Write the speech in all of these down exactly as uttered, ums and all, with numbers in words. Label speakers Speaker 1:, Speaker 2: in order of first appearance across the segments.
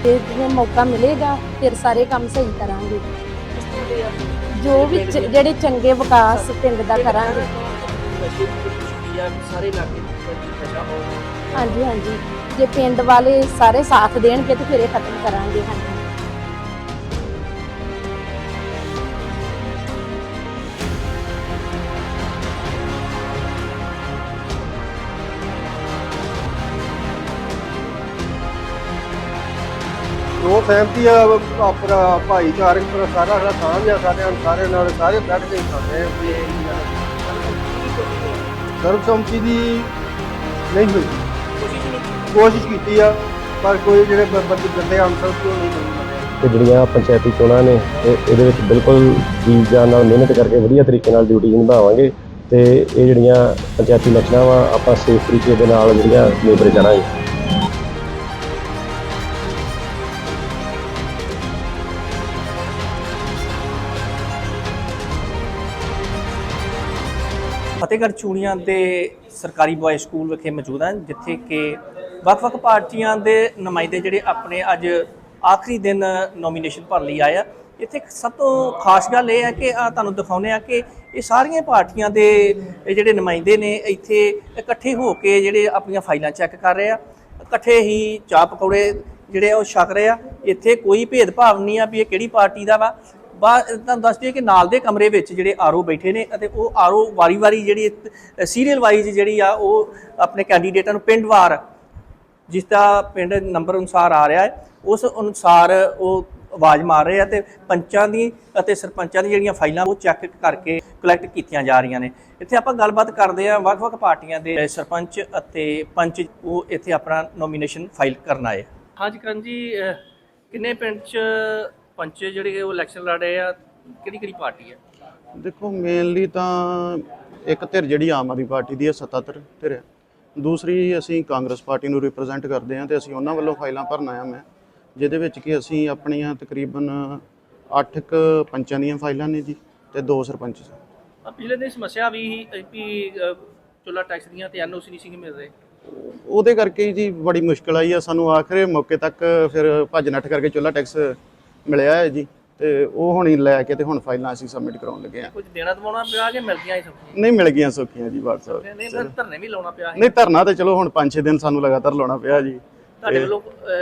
Speaker 1: ਤੇ ਜਿਵੇਂ ਮੌਕਾ ਮਿਲੇਗਾ ਫਿਰ ਸਾਰੇ ਕੰਮ ਸਹੀ ਕਰਾਂਗੇ। ਜੋ ਵੀ ਚ- ਜਿਹੜੇ ਚੰਗੇ ਵਿਕਾਸ ਪਿੰਡ ਦਾ ਕਰਾਂਗੇ।
Speaker 2: ਸਾਰੇ ਇਲਾਕੇ ਨਸ਼ਾ ਹੋ
Speaker 1: ਹਾਂਜੀ ਹਾਂਜੀ, ਜੇ ਪਿੰਡ ਵਾਲੇ ਸਾਰੇ ਸਾਥ ਦੇਣਗੇ ਤੇ ਫਿਰ ਇਹ ਖਤਮ ਕਰਾਂਗੇ। ਹਾਂਜੀ
Speaker 3: ਉਹ ਸਹਿਮਤੀ ਆ ਆਪਣਾ ਭਾਈਚਾਰਕ ਪਰ ਸਾਰਾ ਸਾਡਾ ਸਾਂਝ ਆ ਸਾਡੇ ਸਾਰੇ ਨਾਲ ਸਾਰੇ ਬੈਠ ਕੇ ਖਾਂਦੇ ਆ ਵੀ ਸਰਬਸੰਮਤੀ ਦੀ ਨਹੀਂ ਹੋਈ।
Speaker 2: ਕੋਸ਼ਿਸ਼ ਨਹੀਂ
Speaker 3: ਕੋਸ਼ਿਸ਼ ਕੀਤੀ ਆ ਪਰ ਕੋਈ ਜਿਹੜੇ ਬ- ਬੰਦੇ ਗੰਦੇ ਅਨਸਰ ਤੋਂ ਨਹੀਂ ਮਿਲੇ।
Speaker 4: ਤੇ ਜਿਹੜੀਆਂ ਪੰਚਾਇਤੀ ਚੋਣਾਂ ਨੇ ਇਹ ਇਹਦੇ ਵਿੱਚ ਬਿਲਕੁਲ ਜੀ ਜਾਨ ਨਾਲ ਮਿਹਨਤ ਕਰਕੇ ਵਧੀਆ ਤਰੀਕੇ ਨਾਲ ਡਿਊਟੀ ਨਿਭਾਵਾਂਗੇ ਤੇ ਇਹ ਜਿਹੜੀਆਂ ਪੰਚਾਇਤੀ ਇਲੈਕਸ਼ਨਾਂ ਵਾ ਆਪਾਂ ਸੇਫ ਤਰੀਕੇ ਦੇ ਨਾਲ ਜਿਹੜੀਆਂ ਨਿਬੜ ਜਾਣਾਂਗੇ।
Speaker 2: ਫਤਿਹਗੜ੍ਹ ਚੂੜੀਆਂ ਦੇ ਸਰਕਾਰੀ ਬॉयਜ਼ ਸਕੂਲ ਵਿਖੇ ਮੌਜੂਦ ਹਾਂ, ਜਿੱਥੇ ਕਿ ਵੱਖ-ਵੱਖ ਪਾਰਟੀਆਂ ਦੇ ਨੁਮਾਇੰਦੇ ਜਿਹੜੇ ਆਪਣੇ ਅੱਜ ਆਖਰੀ ਦਿਨ ਨੋਮੀਨੇਸ਼ਨ ਭਰਨ ਲਈ ਆਏ ਆ। ਇੱਥੇ ਇੱਕ ਸਭ ਤੋਂ ਖਾਸ ਗੱਲ ਇਹ ਹੈ ਕਿ ਆ ਤੁਹਾਨੂੰ ਦਿਖਾਉਂਦੇ ਆ ਕਿ ਇਹ ਸਾਰੀਆਂ ਪਾਰਟੀਆਂ ਦੇ ਇਹ ਜਿਹੜੇ ਨੁਮਾਇੰਦੇ ਨੇ ਇੱਥੇ ਇਕੱਠੇ ਹੋ ਕੇ ਜਿਹੜੇ ਆਪਣੀਆਂ ਫਾਈਲਾਂ ਚੈੱਕ ਕਰ ਰਹੇ ਆ, ਇਕੱਠੇ ਹੀ ਚਾਹ ਪਕੌੜੇ ਜਿਹੜੇ ਆ ਉਹ ਛਕ ਰਹੇ ਆ। ਇੱਥੇ ਕੋਈ ਭੇਦਭਾਵ ਨਹੀਂ ਆ ਵੀ ਇਹ ਕਿਹੜੀ ਪਾਰਟੀ ਦਾ ਵਾ। ਬਾ ਤੁਹਾਨੂੰ ਦੱਸ ਦਈਏ ਕਿ ਨਾਲ ਦੇ ਕਮਰੇ ਵਿੱਚ ਜਿਹੜੇ ਆਰਓ ਬੈਠੇ ਨੇ ਅਤੇ ਉਹ ਆਰਓ ਵਾਰੀ-ਵਾਰੀ ਜਿਹੜੀ ਸੀਰੀਅਲ ਵਾਈਜ਼ ਜਿਹੜੀ ਆ ਉਹ ਆਪਣੇ ਕੈਂਡੀਡੇਟਾਂ ਨੂੰ ਪਿੰਡਵਾਰ ਜਿਸ ਦਾ ਪਿੰਡ ਨੰਬਰ ਅਨੁਸਾਰ ਆ ਰਿਹਾ ਹੈ ਉਸ ਅਨੁਸਾਰ ਉਹ ਆਵਾਜ਼ ਮਾਰ ਰਹੇ ਆ ਤੇ ਪੰਚਾਂ ਦੀ ਅਤੇ ਸਰਪੰਚਾਂ ਦੀ ਜਿਹੜੀਆਂ ਫਾਈਲਾਂ ਉਹ ਚੈੱਕ ਕਰਕੇ ਕਲੈਕਟ ਕੀਤੀਆਂ ਜਾ ਰਹੀਆਂ ਨੇ। ਇੱਥੇ ਆਪਾਂ ਗੱਲਬਾਤ ਕਰਦੇ ਆ ਵੱਖ-ਵੱਖ ਪਾਰਟੀਆਂ ਦੇ ਸਰਪੰਚ ਅਤੇ ਪੰਚ ਉਹ ਇੱਥੇ ਆਪਣਾ ਨੋਮੀਨੇਸ਼ਨ ਫਾਈਲ ਕਰਨ ਆਏ। ਹਾਂਜੀ ਕਰਨ ਜੀ, ਕਿੰਨੇ ਪਿੰਡ 'ਚ ਪੰਚ ਜਿਹੜੇ ਉਹ ਇਲੈਕਸ਼ਨ ਲੜ ਰਹੇ ਆ, ਕਿਹੜੀ ਕਿਹੜੀ ਪਾਰਟੀ ਹੈ?
Speaker 5: ਦੇਖੋ ਮੇਨਲੀ ਤਾਂ ਇੱਕ ਧਿਰ ਜਿਹੜੀ ਆਮ ਆਦਮੀ ਪਾਰਟੀ ਦੀ ਹੈ ਸੱਤਾਧਰ ਧਿਰ ਹੈ, ਦੂਸਰੀ ਅਸੀਂ ਕਾਂਗਰਸ ਪਾਰਟੀ ਨੂੰ ਰਿਪਰੈਜ਼ੈਂਟ ਕਰਦੇ ਹਾਂ ਤੇ ਅਸੀਂ ਉਹਨਾਂ ਵੱਲੋਂ ਫਾਈਲਾਂ ਭਰਨ ਆਇਆ ਮੈਂ, ਜਿਹਦੇ ਵਿੱਚ ਕਿ ਅਸੀਂ ਆਪਣੀਆਂ ਤਕਰੀਬਨ ਅੱਠ ਕੁ ਪੰਚਾਂ ਦੀਆਂ ਫਾਈਲਾਂ ਨੇ ਜੀ ਤੇ ਦੋ ਸਰਪੰਚ।
Speaker 2: ਪਿਛਲੇ ਦਿਨ ਸਮੱਸਿਆ ਵੀ ਵੀ ਚੁੱਲਾ ਟੈਕਸ ਦੀਆਂ ਤੇ ਐਨਓਸੀ ਨਹੀਂ ਸੀ ਮਿਲ ਰਹੇ,
Speaker 5: ਉਹਦੇ ਕਰਕੇ ਜੀ ਬੜੀ ਮੁਸ਼ਕਲ ਆਈ ਆ ਸਾਨੂੰ ਆਖਰੇ ਮੌਕੇ ਤੱਕ, ਫਿਰ ਭੱਜ ਨੱਠ ਕਰਕੇ ਚੁੱਲਾ ਟੈਕਸ ਮਿਲਿਆ ਹੈ ਜੀ ਤੇ ਉਹ ਹੁਣ ਹੀ ਲੈ ਕੇ ਤੇ ਹੁਣ ਫਾਈਲਾਂ ਅਸੀਂ ਸਬਮਿਟ ਕਰਾਉਣ ਲੱਗੇ ਆ।
Speaker 2: ਕੁਝ ਦੇਣਾ ਦਵਾਉਣਾ ਪਿਆ ਕਿ ਮਿਲ ਗਿਆ ਹੀ ਸਭ
Speaker 5: ਨਹੀਂ ਮਿਲ ਗਈਆਂ ਸੌਖੀਆਂ ਜੀ ਬਾਤ ਸਾਹਿਬ।
Speaker 2: ਨਹੀਂ ਫਿਰ ਧਰਨੇ ਵੀ ਲਾਉਣਾ ਪਿਆ।
Speaker 5: ਨਹੀਂ ਧਰਨਾ ਤੇ ਚਲੋ ਹੁਣ ਪੰਜ ਛੇ ਦਿਨ ਸਾਨੂੰ ਲਗਾਤਾਰ ਲਾਉਣਾ ਪਿਆ ਜੀ।
Speaker 2: ਤੁਹਾਡੇ ਵੱਲੋਂ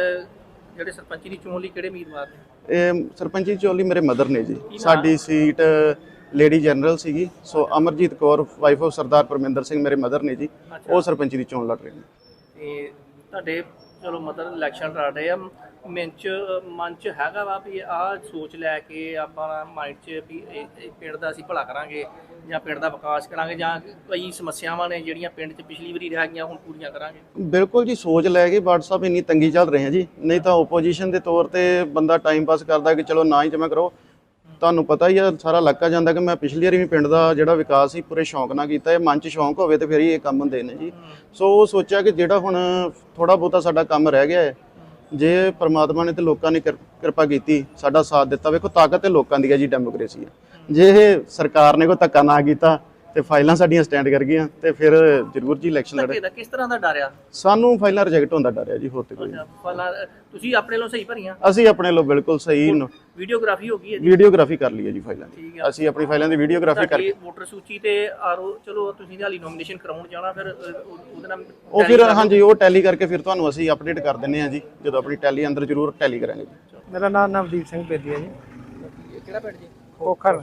Speaker 2: ਜਿਹੜੇ ਸਰਪੰਚੀ ਦੀ ਚੋਣ ਲਈ ਕਿਹੜੇ ਉਮੀਦਵਾਰ ਨੇ?
Speaker 5: ਇਹ ਸਰਪੰਚੀ ਚੋਣ ਲਈ ਮੇਰੇ ਮਦਰ ਨੇ ਜੀ। ਸਾਡੀ ਸੀਟ ਲੇਡੀ ਜਨਰਲ ਸੀਗੀ, so Amarjeet Kaur wife of Sardar Parminder Singh ਮੇਰੇ ਮਦਰ ਨੇ ਜੀ, ਉਹ ਸਰਪੰਚੀ ਦੀ ਚੋਣ ਲੜ ਰਹੇ ਨੇ।
Speaker 2: ਤੇ ਤੁਹਾਡੇ ਚਲੋ ਮਦਰ ਇਲੈਕਸ਼ਨ ਲੜ ਰਹੇ ਆ, ਮਨ 'ਚ ਮਨ 'ਚ ਹੈਗਾ ਵਾ ਵੀ ਆਹ ਸੋਚ ਲੈ ਕੇ ਆਪਾਂ ਮਾਈਂਡ 'ਚ ਵੀ ਇਹ ਪਿੰਡ ਦਾ ਅਸੀਂ ਭਲਾ ਕਰਾਂਗੇ ਜਾਂ ਪਿੰਡ ਦਾ ਵਿਕਾਸ ਕਰਾਂਗੇ ਜਾਂ ਕਈ ਸਮੱਸਿਆਵਾਂ ਨੇ ਜਿਹੜੀਆਂ ਪਿੰਡ 'ਚ ਪਿਛਲੀ ਵਾਰੀ ਰਹਿ ਗਈਆਂ ਹੁਣ ਪੂਰੀਆਂ ਕਰਾਂਗੇ?
Speaker 5: ਬਿਲਕੁਲ ਜੀ, ਸੋਚ ਲੈ ਕੇ WhatsApp ਇੰਨੀ ਤੰਗੀ ਚੱਲ ਰਹੀ ਹੈ ਜੀ, ਨਹੀਂ ਤਾਂ ਓਪੋਜੀਸ਼ਨ ਦੇ ਤੌਰ ਤੇ ਬੰਦਾ ਟਾਈਮ ਪਾਸ ਕਰਦਾ ਕਿ ਚਲੋ ਨਾ ਹੀ ਜਮ੍ਹਾਂ ਕਰੋ। ਤੁਹਾਨੂੰ ਪਤਾ ਹੀ ਆ ਸਾਰਾ ਇਲਾਕਾ ਜਾਂਦਾ ਕਿ ਮੈਂ ਪਿਛਲੀ ਵਾਰੀ ਵੀ ਪਿੰਡ ਦਾ ਜਿਹੜਾ ਵਿਕਾਸ ਸੀ ਪੂਰੇ ਸ਼ੌਂਕ ਨਾਲ ਕੀਤਾ। ਇਹ ਮਨ 'ਚ ਸ਼ੌਂਕ ਹੋਵੇ ਤੇ ਫਿਰ ਹੀ ਇਹ ਕੰਮ ਹੁੰਦੇ ਨੇ ਜੀ। ਸੋ ਉਹ ਸੋਚਿਆ ਕਿ ਜਿਹੜਾ ਹੁਣ ਥੋੜਾ ਬਹੁਤਾ ਸਾਡਾ ਕੰਮ ਰਹਿ ਗਿਆ ਹੈ, ਜੇ ਪਰਮਾਤਮਾ ਨੇ ਤੇ ਲੋਕਾਂ ਨੇ ਕਿਰਪਾ ਕੀਤੀ ਸਾਡਾ ਸਾਥ ਦਿੱਤਾ, ਵੇਖੋ ਤਾਕਤ ਤੇ ਲੋਕਾਂ ਦੀ ਹੈ ਜੀ, ਡੈਮੋਕ੍ਰੇਸੀ ਹੈ। ਜੇ ਇਹ ਸਰਕਾਰ ਨੇ ਕੋਈ ਧੱਕਾ ਨਾ ਕੀਤਾ ਤੇ ਫਾਈਲਾਂ ਸਾਡੀਆਂ ਸਟੈਂਡ ਕਰ ਗਈਆਂ ਤੇ ਫਿਰ ਜ਼ਰੂਰ ਜੀ ਇਲੈਕਸ਼ਨ ਲੜੇ।
Speaker 2: ਕਿਸ ਤਰ੍ਹਾਂ ਦਾ ਡਰ ਆ?
Speaker 5: ਸਾਨੂੰ ਫਾਈਲਾਂ ਰਿਜੈਕਟ ਹੁੰਦਾ ਡਰ ਹੈ ਜੀ, ਹੋਰ ਤੇ ਕੋਈ ਨਹੀਂ।
Speaker 2: ਫਾਈਲਾਂ ਤੁਸੀਂ ਆਪਣੇ ਵੱਲੋਂ ਸਹੀ ਭਰੀਆਂ?
Speaker 5: ਅਸੀਂ ਆਪਣੇ ਲੋ ਬਿਲਕੁਲ ਸਹੀ
Speaker 2: ਵੀਡੀਓਗ੍ਰਾਫੀ ਹੋ ਗਈ ਹੈ ਜੀ?
Speaker 5: ਵੀਡੀਓਗ੍ਰਾਫੀ ਕਰ ਲਈ ਹੈ ਜੀ ਫਾਈਲਾਂ ਦੀ, ਅਸੀਂ ਆਪਣੀ ਫਾਈਲਾਂ ਦੀ ਵੀਡੀਓਗ੍ਰਾਫੀ ਕਰਕੇ।
Speaker 2: ਵੋਟਰ ਸੂਚੀ ਤੇ ਆਰਓ ਚਲੋ ਤੁਸੀਂ ਹਾਲੀ ਨੋਮੀਨੇਸ਼ਨ ਕਰਾਉਣ ਜਾਣਾ, ਫਿਰ ਉਹਦੇ ਨਾਲ
Speaker 5: ਉਹ ਫਿਰ ਹਾਂਜੀ ਉਹ ਟੈਲੀ ਕਰਕੇ ਫਿਰ ਤੁਹਾਨੂੰ ਅਸੀਂ ਅਪਡੇਟ ਕਰ ਦਿੰਦੇ ਹਾਂ ਜੀ, ਜਦੋਂ ਆਪਣੀ ਟੈਲੀ ਅੰਦਰ ਜ਼ਰੂਰ ਟੈਲੀ ਕਰਾਂਗੇ ਜੀ।
Speaker 6: ਮੇਰਾ ਨਾਮ ਨਵਦੀਪ ਸਿੰਘ ਬੇਦੀ ਹੈ ਜੀ।
Speaker 2: ਕਿਹੜਾ ਪਿੰਡ ਜੀ?
Speaker 6: ਖੋਖਰ।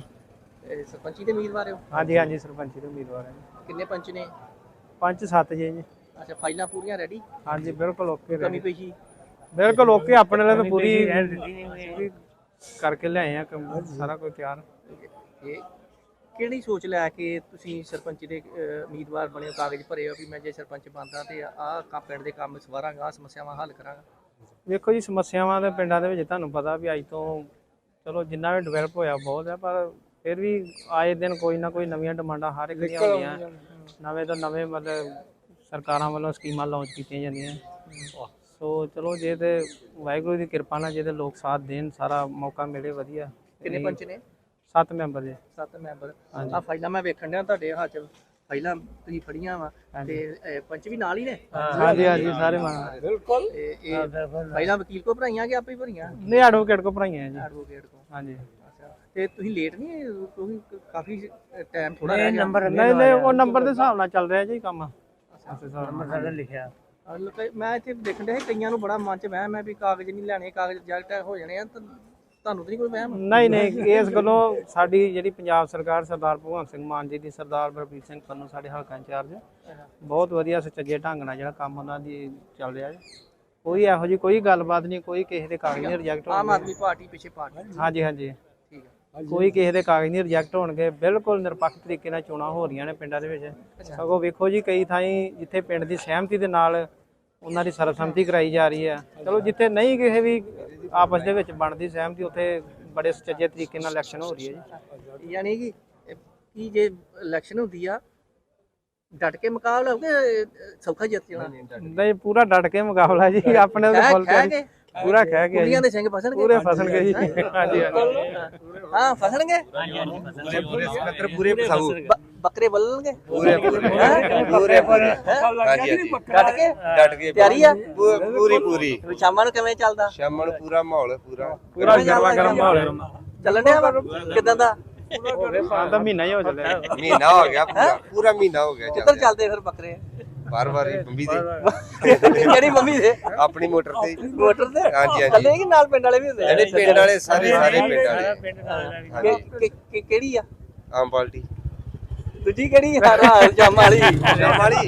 Speaker 2: ਸਰਪੰਚੀ ਦੇ ਉਮੀਦਵਾਰ ਹੋ?
Speaker 6: ਹਾਂਜੀ ਹਾਂਜੀ ਸਰਪੰਚੀ ਦੇ ਉਮੀਦਵਾਰ ਹੈ ਜੀ।
Speaker 2: ਕਿੰਨੇ ਪੰਚ ਨੇ?
Speaker 6: ਪੰਜ ਸੱਤ ਜੀ ਜੀ।
Speaker 2: ਅੱਛਾ, ਫਾਈਲਾਂ ਪੂਰੀਆਂ ਰੈਡੀ?
Speaker 6: ਹਾਂਜੀ ਬਿਲਕੁਲ ਓਕੇ।
Speaker 2: ਕਮੀ ਪਈ ਸੀ?
Speaker 6: ਬਿਲਕੁਲ ਓਕੇ, ਆਪਣੇ ਲਈ ਤਾਂ ਪੂਰੀ ਪੂਰੀ ਕਰਕੇ ਲਿਆਏ ਆ, ਕੰਮ ਸਾਰਾ ਕੁਝ ਤਿਆਰ।
Speaker 2: ਇਹ ਕਿਹੜੀ ਸੋਚ ਲੈ ਕੇ ਤੁਸੀਂ ਸਰਪੰਚੀ ਦੇ ਉਮੀਦਵਾਰ ਬਣੇ ਹੋ, ਕਾਗਜ਼ ਭਰੇ ਹੋ ਵੀ ਮੈਂ ਜੇ ਸਰਪੰਚ ਬਣਦਾ ਤੇ ਆਹ ਕੰਮ ਪਿੰਡ ਦੇ ਕੰਮ ਸਵਾਰਾਂਗਾ, ਆਹ ਸਮੱਸਿਆਵਾਂ ਹੱਲ ਕਰਾਂਗਾ?
Speaker 6: ਵੇਖੋ ਜੀ, ਸਮੱਸਿਆਵਾਂ ਦੇ ਪਿੰਡਾਂ ਦੇ ਵਿੱਚ ਤੁਹਾਨੂੰ ਪਤਾ ਵੀ ਅੱਜ ਤੋਂ ਚਲੋ ਜਿੰਨਾ ਵੀ ਡਿਵੈਲਪ ਹੋਇਆ ਬਹੁਤ ਹੈ, ਪਰ ਫਿਰ ਵੀ ਆਏ ਦਿਨ ਕੋਈ ਨਾ ਕੋਈ ਨਵੀਆਂ ਡਿਮਾਂਡਾਂ ਹਰ ਇੱਕ ਦੀਆਂ ਹੁੰਦੀਆਂ, ਨਵੇਂ ਤੋਂ ਨਵੇਂ ਮਤਲਬ ਸਰਕਾਰਾਂ ਵੱਲੋਂ ਸਕੀਮਾਂ ਲਾਂਚ ਕੀਤੀਆਂ ਜਾਂਦੀਆਂ। ਸੋ ਚਲੋ ਜੇ ਤੇ ਵਾਹਿਗੁਰੂ ਦੀ ਕਿਰਪਾ ਨਾਲ ਜੇ ਤੇ ਲੋਕ ਸਾਥ ਦੇਣ, ਸਾਰਾ ਮੌਕਾ ਮਿਲੇ ਵਧੀਆ।
Speaker 2: ਕਿੰਨੇ ਪੰਚ ਨੇ?
Speaker 6: ਸੱਤ ਮੈਂਬਰ ਜੀ।
Speaker 2: ਸੱਤ ਮੈਂਬਰ। ਆਹ ਫਾਈਲਾਂ ਮੈਂ ਵੇਖਣ ਡਿਆ ਤੁਹਾਡੇ ਹੱਥ 'ਚ, ਫਾਈਲਾਂ ਤੁਸੀਂ ਫੜੀਆਂ ਵਾ ਤੇ ਅਹ, ਪੰਚ ਵੀ ਨਾਲ ਹੀ ਨੇ
Speaker 6: ਹਾਂਜੀ ਹਾਂਜੀ ਸਾਰੇ ਮਾਣ
Speaker 2: ਤੇ ਇਹ ਫਾਈਲਾਂ ਵਕੀਲ ਕੋ ਭਰਾਈਆਂ ਕਿ ਆਪੇ ਹੀ ਭਰੀਆਂ
Speaker 6: ਨਹੀਂ ਐਡਵੋਕੇਟ ਕੋ ਭਰਾਈਆਂ ਜੀ
Speaker 2: ਐਡਵੋਕੇਟ ਕੋ
Speaker 6: ਹਾਂਜੀ
Speaker 2: ਅੱਛਾ ਤੇ ਤੁਸੀਂ ਲੇਟ ਨਹੀਂ ਤੁਸੀਂ ਕਾਫੀ ਟਾਈਮ ਥੋੜਾ ਰਹਿ ਗਿਆ
Speaker 6: ਨਹੀਂ ਨਹੀਂ ਉਹ ਨੰਬਰ ਦੇ ਹਿਸਾਬ ਨਾਲ ਚੱਲ ਰਿਹਾ ਜੀ ਕੰਮ ਨੰਬਰ ਸਾਡਾ ਲਿਖਿਆ
Speaker 2: ਅਹ ਲੋਕਾਂ- ਮੈਂ ਇੱਥੇ ਦੇਖਣ ਡਿਆ ਸੀ ਕਈਆਂ ਨੂੰ ਬੜਾ ਮਨ ਚ ਵਹਿਮ ਹੈ ਵੀ ਕਾਗਜ਼ ਨਹੀਂ ਲੈਣੇ ਕਾਗਜ਼ ਜੈਕਟ ਹੋ ਜਾਣੇ ਆ ਤਾਂ ਤੁਹਾਨੂੰ ਤਾਂ ਨਹੀਂ ਕੋਈ ਵਹਿਮ
Speaker 6: ਨਹੀਂ ਨਹੀਂ ਇਸ ਗੱਲੋਂ ਸਾਡੀ ਜਿਹੜੀ ਪੰਜਾਬ ਸਰਕਾਰ ਸਰਦਾਰ ਭਗਵੰਤ ਸਿੰਘ ਮਾਨ ਜੀ ਦੀ ਸਰਦਾਰ ਬਲਬੀਰ ਸਿੰਘ ਪੰਨੂ ਸਾਡੇ ਹਲਕਾ ਇੰਚਾਰਜ ਬਹੁਤ ਵਧੀਆ ਸੁਚੱਜੇ ਢੰਗ ਨਾਲ ਜਿਹੜਾ ਕੰਮ ਉਹਨਾਂ ਦੀ ਚੱਲ ਰਿਹਾ ਜੀ ਕੋਈ ਇਹੋ ਜਿਹੀ ਕੋਈ ਗੱਲਬਾਤ ਨਹੀਂ ਕੋਈ ਕਿਸੇ ਦੇ ਕਾਗਜ਼ ਨਹੀਂ ਰਿਜੈਕਟ
Speaker 2: ਆਮ
Speaker 6: ਹੋਣਗੇ
Speaker 2: ਆਦਮੀ ਪਾਰਟੀ ਪਿੱਛੇ ਪਾਰਟੀ
Speaker 6: ਹਾਂਜੀ ਹਾਂਜੀ
Speaker 2: ਠੀਕ ਹੈ
Speaker 6: ਕੋਈ ਕਿਸੇ ਦੇ ਕਾਗਜ਼ ਨਹੀਂ ਰਿਜੈਕਟ ਹੋਣਗੇ ਬਿਲਕੁਲ ਨਿਰਪੱਖ ਤਰੀਕੇ ਨਾਲ ਚੋਣਾਂ ਹੋ ਰਹੀਆਂ ਨੇ ਪਿੰਡਾਂ ਦੇ ਵਿੱਚ ਸਗੋਂ ਵੇਖੋ ਜੀ ਕਈ ਥਾਈਂ ਜਿੱਥੇ ਪਿੰਡ ਦੀ ਸਹਿਮਤੀ ਦੇ ਨਾਲ ਉਹਨਾਂ ਦੀ ਸਰਬਸੰਮਤੀ ਕਰਾਈ ਜਾ ਰਹੀ ਹੈ ਚਲੋ ਜਿੱਥੇ ਨਹੀਂ ਕਿਸੇ ਵੀ ਆਪਸ ਦੇ ਵਿੱਚ ਬਣਦੀ ਸਹਿਮਤੀ ਉੱਥੇ ਬੜੇ ਸੁਚੱਜੇ ਤਰੀਕੇ ਨਾਲ ਇਲੈਕਸ਼ਨ ਹੋ ਰਹੀ ਹੈ ਜੀ
Speaker 2: ਯਾਨੀ ਕਿ ਇਹ ਕੀ ਜੇ ਇਲੈਕਸ਼ਨ ਹੁੰਦੀ ਆ ਡਟ ਕੇ ਮੁਕਾਬਲਾ ਹੋਵੇ ਸੌਖਾ ਜਿੱਤ ਜਾਣਾ
Speaker 6: ਨਹੀਂ ਪੂਰਾ ਡਟ ਕੇ ਮੁਕਾਬਲਾ ਜੀ ਆਪਣੇ ਉਹਦੇ ਫੁੱਲ
Speaker 2: ਕਹਿ ਕੇ
Speaker 6: ਪੂਰਾ ਕਹਿ ਕੇ
Speaker 2: ਕੁੜੀਆਂ ਦੇ ਸਿੰਘ ਫਸਣਗੇ
Speaker 6: ਪੂਰੇ ਫਸਣਗੇ ਜੀ ਹਾਂਜੀ ਹਾਂਜੀ
Speaker 2: ਹਾਂ ਫਸਣਗੇ
Speaker 7: ਪੂਰੇ ਪਸਾਉ
Speaker 2: ਬੱਕਰੇ ਬੱਲਣਗੇ
Speaker 7: ਪੂਰੇ ਪੂਰੇ ਪੂਰੇ ਹਾਂਜੀ ਹਾਂਜੀ
Speaker 2: ਡਟ ਕੇ
Speaker 7: ਡਟ ਕੇ
Speaker 2: ਤਿਆਰੀ ਆ
Speaker 7: ਪੂਰੀ ਪੂਰੀ
Speaker 2: ਸ਼ਾਮਾਂ ਨੂੰ ਕਿਵੇਂ ਚੱਲਦਾ
Speaker 7: ਸ਼ਾਮ ਨੂੰ ਪੂਰਾ ਮਾਹੌਲ ਪੂਰਾ
Speaker 6: ਪੂਰਾ ਗਰਮਾ ਗਰਮ ਮਾਹੌਲ ਹੈ
Speaker 2: ਚੱਲਣ ਡਿਆ ਵਾ? ਕਿੱਦਾਂ ਦਾ
Speaker 6: ਹਾਂ ਤਾਂ ਮਹੀਨਾ ਹੀ ਹੋ ਚੱਲਿਆ
Speaker 7: ਮਹੀਨਾ ਹੋ ਗਿਆ ਪੂਰਾ ਪੂਰਾ ਮਹੀਨਾ ਹੋ ਗਿਆ
Speaker 2: ਕਿੱਧਰ ਚੱਲਦੇ ਫਿਰ ਬੱਕਰੇ
Speaker 7: ਬਾਰ ਬਾਰ ਬੰਬੀ ਦੇ
Speaker 2: ਕਿਹੜੀ ਮੰਮੀ ਦੇ
Speaker 7: ਆਪਣੀ ਮੋਟਰ ਤੇ
Speaker 2: ਮੋਟਰ ਤੇ
Speaker 7: ਹਾਂਜੀ, ਹਾਂਜੀ।
Speaker 2: ਚੱਲੇ ਕਿ ਨਾਲ ਪਿੰਡ ਵਾਲੇ ਵੀ ਹੁੰਦੇ ਆ?
Speaker 7: ਜਿਹੜੇ ਪਿੰਡ ਵਾਲੇ ਸਾਰੇ ਸਾਰੇ ਪਿੰਡ ਵਾਲੇ
Speaker 2: ਕਿ- ਕਿ- ਕਿ- ਕਿਹੜੀ ਆ
Speaker 7: ਆਮ ਪਾਰਟੀ
Speaker 2: ਦੂਜੀ ਕਿਹੜੀ ਆ ਰਾਜ ਜਾਮ ਵਾਲੀ
Speaker 7: ਸ਼ਾਮ ਵਾਲੀ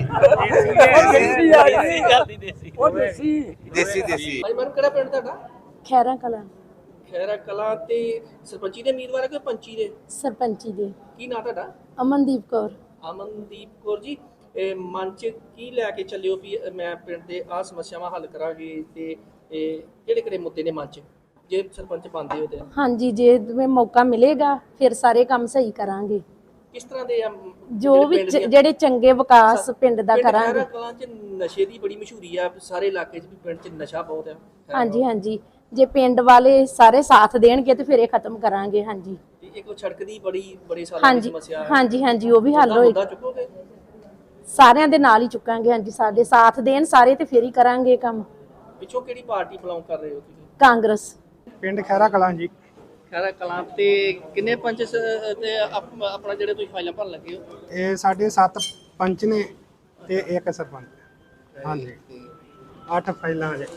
Speaker 2: ਦੇਸੀ ਆ ਦੇਸੀ ਉਹ ਦੇਸੀ
Speaker 7: ਦੇਸੀ ਦੇਸੀ
Speaker 2: ਭਾਈ ਮਨ ਕਿਹੜਾ ਪਿੰਡ ਤੁਹਾਡਾ
Speaker 1: ਖੈਰਾ ਕਲਾਂ
Speaker 2: ਖੈਰਾ ਕਲਾਂ ਤੇ ਸਰਪੰਚੀ ਦੇ ਉਮੀਦਵਾਰ ਹੈ ਕਿ ਪੰਚੀ ਦੇ
Speaker 1: ਸਰਪੰਚੀ ਦੇ
Speaker 2: ਕੀ ਨਾਂ ਤੁਹਾਡਾ
Speaker 1: ਅਮਨਦੀਪ ਕੌਰ
Speaker 2: ਅਮਨਦੀਪ ਕੌਰ ਜੀ ਇਹ ਮਨ ਚ ਕੀ ਲੈ ਕੇ ਚੱਲਿਓ ਵੀ ਮੈਂ ਪਿੰਡ ਦੇ ਆ ਸਮੱਸਿਆਵਾਂ ਹੱਲ ਕਰਾਂਗੇ ਤੇ ਇਹ ਕਿਹੜੇ ਕਿਹੜੇ ਮੁੱਦੇ ਨੇ ਮਨ ਚ ਜੇ ਸਰਪੰਚ ਬਣਦੇ ਹੋ ਤੇ
Speaker 1: ਹਾਂਜੀ ਜੇ ਤੁਹਾਨੂੰ ਮੌਕਾ ਮਿਲੇਗਾ ਫਿਰ ਸਾਰੇ ਕੰਮ ਸਹੀ ਕਰਾਂਗੇ
Speaker 2: ਕਿਸ ਤਰ੍ਹਾਂ ਦੇ ਆ
Speaker 1: ਜੋ ਵੀ
Speaker 2: ਪਿੰਡ
Speaker 1: ਚ-
Speaker 2: ਦੀਆਂ-
Speaker 1: ਜਿਹੜੇ ਚੰਗੇ ਵਿਕਾਸ ਪਿੰਡ ਦਾ
Speaker 2: ਪਿੰਡ
Speaker 1: ਕਰਾਂਗੇ
Speaker 2: ਖੈਰਾ ਕਲਾਂ ਚ ਨਸ਼ੇ ਦੀ ਬੜੀ ਮਸ਼ਹੂਰੀ ਆ ਸਾਰੇ ਇਲਾਕੇ ਚ ਵੀ ਪਿੰਡ ਚ ਨਸ਼ਾ ਬਹੁਤ ਆ
Speaker 1: ਹਾਂਜੀ ਹਾਂਜੀ ਜੇ ਪਿੰਡ ਵਾਲੇ ਸਾਰੇ ਸਾਥ ਦੇਣਗੇ ਤੇ ਫਿਰ ਇਹ ਖਤਮ ਕਰਾਂਗੇ ਹਾਂਜੀ
Speaker 2: ਤੇ ਇੱਕ ਉਹ ਸੜਕ ਦੀ ਬੜੀ ਬੜੇ ਸਾਲਾਂ ਦੀ
Speaker 1: ਹਾਂਜੀ
Speaker 2: ਸਮੱਸਿਆ ਹੈ
Speaker 1: ਹਾਂਜੀ ਹਾਂਜੀ ਉਹ ਵੀ ਹੱਲ
Speaker 2: ਉਹਦਾ
Speaker 1: ਹੋਏਗਾ
Speaker 2: ਮੁੱਦਾ ਚੁੱਕੋਗੇ
Speaker 1: ਸਾਰਿਆਂ ਦੇ ਨਾਲ ਹੀ ਚੁੱਕਾਂਗੇ ਹਾਂਜੀ ਸਾਡੇ ਸਾਥ ਦੇਣ ਸਾਰੇ ਤੇ ਫਿਰ ਹੀ ਕਰਾਂਗੇ ਕੰਮ
Speaker 2: ਪਿੱਛੋਂ ਕਿਹੜੀ ਪਾਰਟੀ ਬਿਲੋਂਗ ਕਰ ਰਹੇ ਹੋ ਤੁਸੀਂ
Speaker 1: ਕਾਂਗਰਸ
Speaker 3: ਪਿੰਡ ਖੈਰਾ ਕਲਾਂ ਜੀ
Speaker 2: ਖੈਰਾ ਕਲਾਂ ਤੇ ਕਿੰਨੇ ਪੰਚ ਸ- ਤੇ ਆਪ- ਆਪਣਾ ਜਿਹੜੇ ਤੁਸੀਂ ਫਾਈਲਾਂ ਭਰਨ ਲੱਗੇ ਹੋ
Speaker 3: ਇਹ ਸਾਡੇ ਸੱਤ ਪੰਚ ਨੇ ਤੇ ਇੱਕ ਸਰਪੰਚ ਹਾਂਜੀ ਅੱਠ ਫਾਈਲਾਂ ਜੇ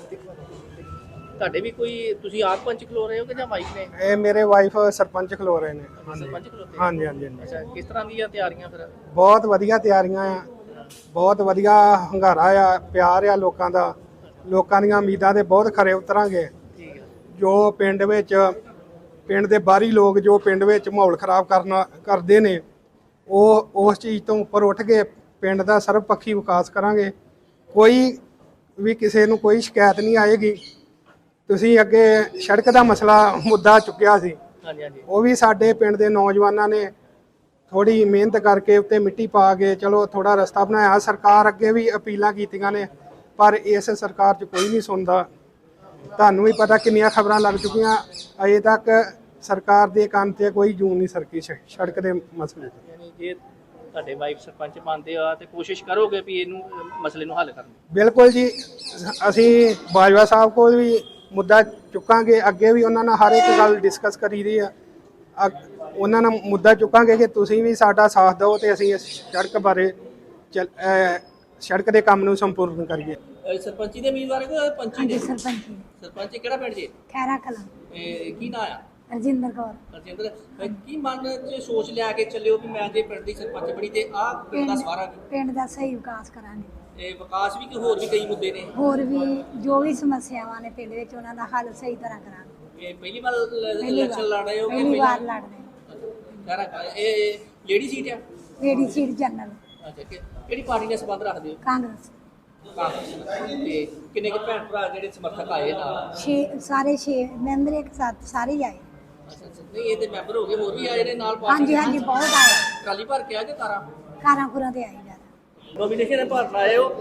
Speaker 2: ਤੁਹਾਡੇ ਵੀ ਕੋਈ ਤੁਸੀਂ ਆਪ ਪੰਚ ਖਲੋ ਰਹੇ ਹੋ ਕਿ ਜਾਂ ਵਾਈਫ ਨੇ
Speaker 3: ਇਹ ਮੇਰੇ ਵਾਈਫ ਸਰਪੰਚ ਖਲੋ ਰਹੇ ਨੇ
Speaker 2: ਸਰਪੰਚ ਖਲੋਤੇ
Speaker 3: ਹਾਂਜੀ ਹਾਂਜੀ ਹਾਂਜੀ
Speaker 2: ਅੱਛਾ ਕਿਸ ਤਰ੍ਹਾਂ ਦੀਆਂ ਤਿਆਰੀਆਂ ਫਿਰ
Speaker 3: ਬਹੁਤ ਵਧੀਆ ਤਿਆਰੀਆਂ ਆ ਬਹੁਤ ਵਧੀਆ ਹੰਗਾਰਾ ਆ ਪਿਆਰ ਆ ਲੋਕਾਂ ਦਾ ਲੋਕਾਂ ਦੀਆਂ ਉਮੀਦਾਂ ਦੇ ਬਹੁਤ ਖਰੇ ਉਤਰਾਂਗੇ
Speaker 2: ਠੀਕ ਹੈ
Speaker 3: ਜੋ ਪਿੰਡ ਵਿੱਚ ਪਿੰਡ ਦੇ ਬਾਹਰੀ ਲੋਕ ਜੋ ਪਿੰਡ ਵਿੱਚ ਮਾਹੌਲ ਖਰਾਬ ਕਰਨਾ ਕਰਦੇ ਨੇ ਉਹ ਉਸ ਚੀਜ਼ ਤੋਂ ਉੱਪਰ ਉੱਠ ਕੇ ਪਿੰਡ ਦਾ ਸਰਬਪੱਖੀ ਵਿਕਾਸ ਕਰਾਂਗੇ ਕੋਈ ਵੀ ਕਿਸੇ ਨੂੰ ਕੋਈ ਸ਼ਿਕਾਇਤ ਨਹੀਂ ਆਏਗੀ ਤੁਸੀਂ ਅੱਗੇ ਸੜਕ ਦਾ ਮਸਲਾ ਮੁੱਦਾ ਚੁੱਕਿਆ ਸੀ
Speaker 2: ਹਾਂਜੀ ਹਾਂਜੀ
Speaker 3: ਉਹ ਵੀ ਸਾਡੇ ਪਿੰਡ ਦੇ ਨੌਜਵਾਨਾਂ ਨੇ ਥੋੜੀ ਮਿਹਨਤ ਕਰਕੇ ਉੱਤੇ ਮਿੱਟੀ ਪਾ ਕੇ ਚਲੋ ਥੋੜਾ ਰਸਤਾ ਬਣਾਇਆ ਸਰਕਾਰ ਅੱਗੇ ਵੀ ਅਪੀਲਾਂ ਕੀਤੀਆਂ ਨੇ ਪਰ ਇਸ ਸਰਕਾਰ 'ਚ ਕੋਈ ਨਹੀਂ ਸੁਣਦਾ ਤੁਹਾਨੂੰ ਵੀ ਪਤਾ ਕਿੰਨੀਆਂ ਖਬਰਾਂ ਲੱਗ ਚੁੱਕੀਆਂ ਅਜੇ ਤੱਕ ਸਰਕਾਰ ਦੇ ਕੰਨ ਤੇ ਕੋਈ ਜੂੰ ਨਹੀਂ ਸਰਕੀ ਸ- ਸੜਕ ਦੇ ਮਸਲੇ 'ਤੇ
Speaker 2: ਯਾਨੀ ਜੇ ਤੁਹਾਡੇ ਵਾਈਫ ਸਰਪੰਚ ਬਣਦੇ ਆ ਤੇ ਕੋਸ਼ਿਸ਼ ਕਰੋਗੇ ਵੀ ਇਹਨੂੰ ਅਹ, ਮਸਲੇ ਨੂੰ ਹੱਲ ਕਰਨ ਦੀ
Speaker 3: ਬਿਲਕੁਲ ਜੀ ਅਸੀਂ ਬਾਜਵਾ ਸਾਹਿਬ ਕੋਲ ਵੀ ਮੁੱਦਾ ਚੁੱਕਾਂਗੇ ਅੱਗੇ ਵੀ ਉਹਨਾਂ ਨਾਲ ਹਰ ਇੱਕ ਗੱਲ ਡਿਸਕਸ ਕਰੀ ਦੀ ਆ ਅ- ਉਹਨਾਂ ਨਾਲ ਮੁੱਦਾ ਚੁੱਕਾਂਗੇ ਕਿ ਤੁਸੀਂ ਵੀ ਸਾਡਾ ਸਾਥ ਦਿਓ ਤੇ ਅਸੀਂ ਇਸ ਸੜਕ ਬਾਰੇ ਚੱਲ- ਅ, ਸੜਕ ਦੇ ਕੰਮ ਨੂੰ ਸੰਪੂਰਨ ਕਰੀਏ
Speaker 2: ਅਹ, ਸਰਪੰਚੀ ਦੇ ਉਮੀਦਵਾਰ ਹੈ ਕਿ ਪੰਚੀ ਦੇ
Speaker 8: ਸਰਪੰਚੀ
Speaker 2: ਸਰਪੰਚ ਕਿਹੜਾ ਪਿੰਡ ਜੀ
Speaker 8: ਖੈਰਾ ਕਲਾਂ
Speaker 2: ਇਹ ਕੀ ਨਾਂ ਆ
Speaker 8: ਰਜਿੰਦਰ ਕੌਰ
Speaker 2: ਰਜਿੰਦਰ ਅਹ, ਕੀ ਮਨ ਚ ਸੋਚ ਲਿਆ ਕੇ ਚੱਲਿਓ ਵੀ ਮੈਂ ਜੇ ਪਿੰਡ ਦੀ ਸਰਪੰਚ ਬਣੀ ਤੇ ਆਹ ਪਿੰਡ ਦਾ ਸਵਾਰਾਂਗੇ
Speaker 8: ਪਿੰਡ ਦਾ ਸਹੀ ਵਿਕਾਸ ਕਰਾਂਗੇ
Speaker 2: ਇਹ ਵਿਕਾਸ ਵੀ ਕਿ ਹੋਰ ਵੀ ਕਈ ਮੁੱਦੇ ਨੇ
Speaker 8: ਹੋਰ ਵੀ ਜੋ ਵੀ ਸਮੱਸਿਆਵਾਂ ਨੇ ਪਿੰਡ ਵਿੱਚ ਉਹਨਾਂ ਦਾ ਹੱਲ ਸਹੀ ਤਰ੍ਹਾਂ ਕਰਾਂਗੇ
Speaker 2: ਇਹ ਪਹਿਲੀ ਵਾਰ
Speaker 8: ਪਹਿਲੀ
Speaker 2: ਇਲੈਕਸ਼ਨ ਲੜ ਰਹੇ ਹੋ
Speaker 8: ਵਾਰ
Speaker 2: ਕਿ
Speaker 8: ਪਹਿਲੀ ਵਾਰ
Speaker 2: ਪਹਿਲਾਂ
Speaker 8: ਲੜ ਰਹੇ
Speaker 2: ਖੈਰਾ ਕਲਾਂ- ਇਹ ਲੇਡੀ ਸੀਟ ਆ
Speaker 8: ਲੇਡੀ ਸੀਟ ਜਨਰਲ
Speaker 2: ਅੱਛਾ ਕਿ- ਕਿਹੜੀ ਪਾਰਟੀ ਨਾਲ ਸੰਬੰਧ ਰੱਖਦੇ ਹੋ
Speaker 8: ਕਾਂਗਰਸ
Speaker 2: ਕਾਂਗਰਸ ਨਾਲ। ਤੇ ਕਿੰਨੇ ਕੁ ਭੈਣ ਭਰਾ ਜਿਹੜੇ ਸਮਰਥਕ ਆਏ ਨਾਲ
Speaker 8: ਛੇ ਸਾਰੇ ਛੇ ਮੈਂਬਰ ਇੱਕ ਸਾਥ ਸਾਰੇ ਹੀ ਆਏ
Speaker 2: ਅੱਛਾ ਅੱਛਾ ਨਹੀਂ ਇਹ ਤੇ ਮੈਂਬਰ ਹੋ ਗਏ ਹੋਰ ਵੀ ਆਏ ਨੇ ਨਾਲ
Speaker 8: ਹਾਂਜੀ ਹਾਂਜੀ ਬਹੁਤ ਆਏ
Speaker 2: ਟਰਾਲੀ ਭਰ ਕੇ ਆ ਕੇ ਤਾਰਾ
Speaker 8: ਕਾਰਾਂ ਕੁਰਾਂ ਤੇ ਆਏ ਜ਼ਿਆਦਾ
Speaker 2: ਨੋਮੀਨੇਸ਼ਨ ਭਰਨ ਆਏ ਹੋ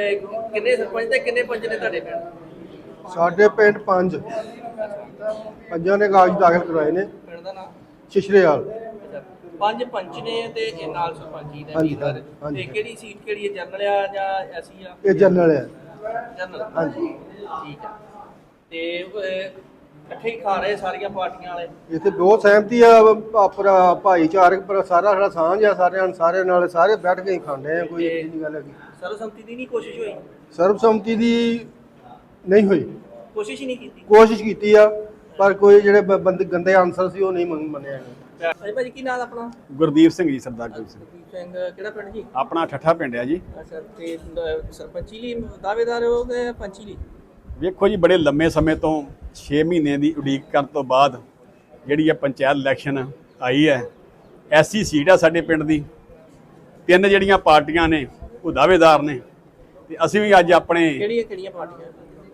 Speaker 2: ਅਹ ਕਿੰਨੇ ਸਰਪੰਚ ਤੇ ਕਿੰਨੇ ਪੰਚ ਨੇ ਤੁਹਾਡੇ ਪਿੰਡ
Speaker 3: ਸਾਡੇ ਪਿੰਡ ਪੰਜ ਪੰਜਾਂ ਨੇ ਕਾਗਜ਼ ਦਾਖਲ ਕਰਵਾਏ ਨੇ
Speaker 2: ਪਿੰਡ ਦਾ ਨਾਮ
Speaker 3: ਛਿਛਰੇਵਾਲ
Speaker 2: ਪੰਜ ਪੰਚ ਨੇ ਤੇ ਇਹ ਨਾਲ ਸਰਪੰਚੀ ਦੇ ਉਮੀਦਵਾਰ ਤੇ ਕਿਹੜੀ ਸੀਟ ਕਿਹੜੀ ਹੈ ਜਨਰਲ ਆ ਜਾਂ ਐਸੀ ਆ?
Speaker 9: ਇਹ ਜਨਰਲ ਹੈ।
Speaker 2: ਜਨਰਲ
Speaker 9: ਹਾਂਜੀ
Speaker 2: ਠੀਕ ਆ। ਤੇ ਅਹ, ਇਕੱਠੇ ਹੀ ਖਾ ਰਹੇ ਸਾਰੀਆਂ ਪਾਰਟੀਆਂ ਵਾਲੇ?
Speaker 9: ਇੱਥੇ ਬਹੁਤ ਸਹਿਮਤੀ ਆ ਆਪਣਾ ਭਾਈਚਾਰਕ ਪਰ ਸਾਰਾ ਸਾਡਾ ਸਾਂਝ ਆ ਸਾਰਿਆਂ ਸਾਰਿਆਂ ਨਾਲ ਸਾਰੇ ਬੈਠ ਕੇ ਹੀ ਖਾਂਦੇ ਆ ਕੋਈ ਇਹ ਨਹੀਂ ਗੱਲ ਹੈਗੀ।
Speaker 2: ਸਰਬਸੰਮਤੀ ਦੀ ਨਹੀਂ ਕੋਸ਼ਿਸ਼ ਹੋਈ?
Speaker 9: ਸਰਬਸੰਮਤੀ ਦੀ ਨਹੀਂ ਹੋਈ,
Speaker 2: ਕੋਸ਼ਿਸ਼ ਹੀ ਨਹੀਂ ਕੀਤੀ?
Speaker 9: ਕੋਸ਼ਿਸ਼ ਕੀਤੀ ਆ ਪਰ ਕੋਈ ਜਿਹੜੇ ਬ- ਬੰਦੇ ਗੰਦੇ ਆਨਸਰ ਸੀ ਉਹ ਨਹੀਂ ਮੰਨ- ਮੰਨਿਆ ਗਿਆ।
Speaker 2: ਅਜੇ ਭਾਜੀ ਕੀ ਨਾਮ ਆਪਣਾ?
Speaker 10: ਗੁਰਦੀਪ ਸਿੰਘ ਜੀ, ਸਰਦਾਰ ਗੁਰਦੀਪ ਸਿੰਘ।
Speaker 2: ਗੁਰਦੀਪ ਸਿੰਘ ਕਿਹੜਾ ਪਿੰਡ ਜੀ?
Speaker 10: ਆਪਣਾ ਠੱਠਾ ਪਿੰਡ ਆ ਜੀ।
Speaker 2: ਅੱਛਾ ਤੇ ਅਹ, ਸਰਪੰਚੀ ਲਈ ਦਾਅਵੇਦਾਰ ਹੋ ਗਏ ਪੰਚੀ ਲਈ?
Speaker 10: ਵੇਖੋ ਜੀ, ਬੜੇ ਲੰਮੇ ਸਮੇਂ ਤੋਂ ਛੇ ਮਹੀਨੇ ਦੀ ਉਡੀਕ ਕਰਨ ਤੋਂ ਬਾਅਦ ਜਿਹੜੀ ਇਹ ਪੰਚਾਇਤ ਇਲੈਕਸ਼ਨ ਆਈ ਹੈ। ਐਸੀ ਸੀਟ ਆ ਸਾਡੇ ਪਿੰਡ ਦੀ, ਤਿੰਨ ਜਿਹੜੀਆਂ ਪਾਰਟੀਆਂ ਨੇ ਉਹ ਦਾਅਵੇਦਾਰ ਨੇ ਤੇ ਅਸੀਂ ਵੀ ਅੱਜ ਆਪਣੇ
Speaker 2: ਕਿਹੜੀਆਂ ਕਿਹੜੀਆਂ ਪਾਰਟੀਆਂ?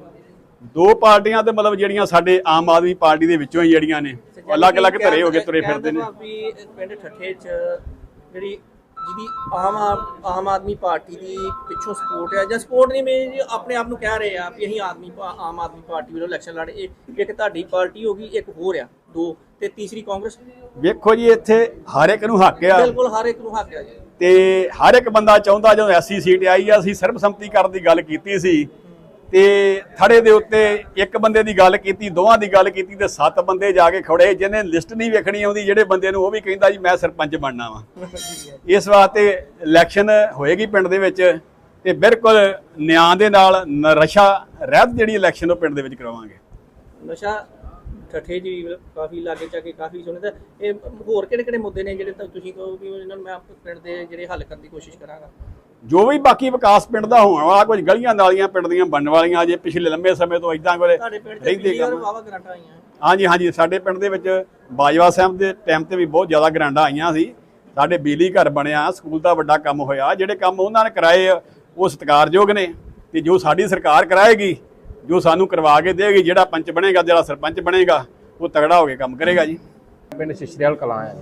Speaker 10: ਦੋ ਪਾਰਟੀਆਂ ਤੇ ਮਤਲਬ ਜਿਹੜੀਆਂ ਸਾਡੇ ਆਮ ਆਦਮੀ ਪਾਰਟੀ ਦੇ ਵਿੱਚੋਂ ਹੀ ਜਿਹੜੀਆਂ ਨੇ ਅਲੱਗ-ਅਲੱਗ ਧਰੇ ਹੋ ਕੇ ਤੁਰੇ ਫਿਰਦੇ ਨੇ।
Speaker 2: ਵੀ ਪਿੰਡ ਠੱਠੇ 'ਚ ਜਿਹੜੀ ਜਿਹਦੀ ਆਮ ਆਦ- ਆਮ ਆਦਮੀ ਪਾਰਟੀ ਦੀ ਪਿੱਛੋਂ ਸਪੋਰਟ ਹੈ ਜਾਂ ਸਪੋਰਟ ਨਹੀਂ ਮੈਂ ਆਪਣੇ ਆਪ ਨੂੰ ਕਹਿ ਰਹੇ ਆ ਵੀ ਅਸੀਂ ਆਦਮੀ ਪਾ- ਆਮ ਆਦਮੀ ਪਾਰਟੀ ਵੱਲੋਂ ਇਲੈਕਸ਼ਨ ਲੜ ਇਹ ਇੱਕ ਤੁਹਾਡੀ ਪਾਰਟੀ ਹੋ ਗਈ, ਇੱਕ ਹੋਰ ਆ, ਦੋ ਤੇ ਤੀਸਰੀ ਕਾਂਗਰਸ।
Speaker 10: ਵੇਖੋ ਜੀ, ਇੱਥੇ ਹਰ ਇੱਕ ਨੂੰ ਹੱਕ ਆ,
Speaker 2: ਬਿਲਕੁਲ ਹਰ ਇੱਕ ਨੂੰ ਹੱਕ ਆ ਜੀ।
Speaker 10: ਤੇ ਹਰ ਇੱਕ ਬੰਦਾ ਚਾਹੁੰਦਾ ਜਦੋਂ ਐਸੀ ਸੀਟ ਆਈ ਆ, ਅਸੀਂ ਸਰਬਸੰਮਤੀ ਕਰਨ ਦੀ ਗੱਲ ਕੀਤੀ ਸੀ ਤੇ ਥੜੇ ਦੇ ਉੱਤੇ ਇੱਕ ਬੰਦੇ ਦੀ ਗੱਲ ਕੀਤੀ, ਦੋਵਾਂ ਦੀ ਗੱਲ ਕੀਤੀ ਤੇ ਸੱਤ ਬੰਦੇ ਜਾ ਕੇ ਖੜੇ ਜਿਹਨੇ ਲਿਸਟ ਨਹੀਂ ਵੇਖਣੀ ਆਉਂਦੀ ਜਿਹੜੇ ਬੰਦੇ ਨੂੰ, ਉਹ ਵੀ ਕਹਿੰਦਾ ਜੀ ਮੈਂ ਸਰਪੰਚ ਬਣਨਾ ਵਾ। ਇਸ ਵਾਸਤੇ ਇਲੈਕਸ਼ਨ ਹੋਏਗੀ ਪਿੰਡ ਦੇ ਵਿੱਚ ਤੇ ਬਿਲਕੁਲ ਨਿਆਂ ਦੇ ਨਾਲ ਨਸ਼ਾ ਰਹਿਤ ਜਿਹੜੀ ਇਲੈਕਸ਼ਨ ਉਹ ਪਿੰਡ ਦੇ ਵਿੱਚ ਕਰਵਾਵਾਂਗੇ।
Speaker 2: ਨਸ਼ਾ ਠੱਠੇ ਜੀ ਕਾਫੀ ਲਾਗੇ ਚਾ ਕੇ ਕਾਫੀ ਸੁਣੇ ਤਾਂ ਇਹ ਹੋਰ ਕਿਹੜੇ ਕਿਹੜੇ ਮੁੱਦੇ ਨੇ ਜਿਹੜੇ ਤਾਂ ਤੁਸੀਂ ਕਹੋ ਵੀ ਇਹਨਾਂ ਨੂੰ ਮੈਂ ਆਪਣੇ ਪਿੰਡ ਦੇ ਜਿਹੜੇ ਹੱਲ ਕਰਨ ਦੀ ਕੋਸ਼ਿਸ਼ ਕਰਾਂਗਾ?
Speaker 10: ਜੋ ਵੀ ਬਾਕੀ ਵਿਕਾਸ ਪਿੰਡ ਦਾ ਹੋਣ ਵਾਲਾ, ਕੁਝ ਗਲੀਆਂ ਨਾਲੀਆਂ ਪਿੰਡ ਦੀਆਂ ਬਣਨ ਵਾਲੀਆਂ, ਜੇ ਪਿਛਲੇ ਲੰਮੇ ਸਮੇਂ ਤੋਂ ਇਦਾਂ ਕੋਲੇ
Speaker 2: ਤੁਹਾਡੇ ਪਿੰਡ ਤੇ
Speaker 10: ਰਹਿੰਦੇ
Speaker 2: ਬਿਜਲੀ ਔਰ
Speaker 10: ਕੰਮ।
Speaker 2: ਵਾਵਾ ਗ੍ਰਾਂਟਾਂ ਆਈਆਂ?
Speaker 10: ਹਾਂਜੀ ਹਾਂਜੀ, ਸਾਡੇ ਪਿੰਡ ਦੇ ਵਿੱਚ ਬਾਜਵਾ ਸਾਹਿਬ ਦੇ ਟਾਈਮ ਤੇ ਵੀ ਬਹੁਤ ਜ਼ਿਆਦਾ ਗ੍ਰਾਂਟਾਂ ਆਈਆਂ ਸੀ। ਸਾਡੇ ਬਿਜਲੀ ਘਰ ਬਣਿਆ, ਸਕੂਲ ਦਾ ਵੱਡਾ ਕੰਮ ਹੋਇਆ। ਜਿਹੜੇ ਕੰਮ ਉਹਨਾਂ ਨੇ ਕਰਾਏ ਆ ਉਹ ਸਤਿਕਾਰਯੋਗ ਨੇ ਤੇ ਜੋ ਸਾਡੀ ਸਰਕਾਰ ਕਰਾਏਗੀ, ਜੋ ਸਾਨੂੰ ਕਰਵਾ ਕੇ ਦੇਗੀ, ਜਿਹੜਾ ਪੰਚ ਬਣੇਗਾ, ਜਿਹੜਾ ਸਰਪੰਚ ਬਣੇਗਾ, ਉਹ ਤਗੜਾ ਹੋ ਕੇ ਕੰਮ ਕਰੇਗਾ ਜੀ।
Speaker 11: ਪਿੰਡ ਸ਼ਿਸ਼ਰੀਵਾਲ ਕਲਾਂ ਆ ਜੀ।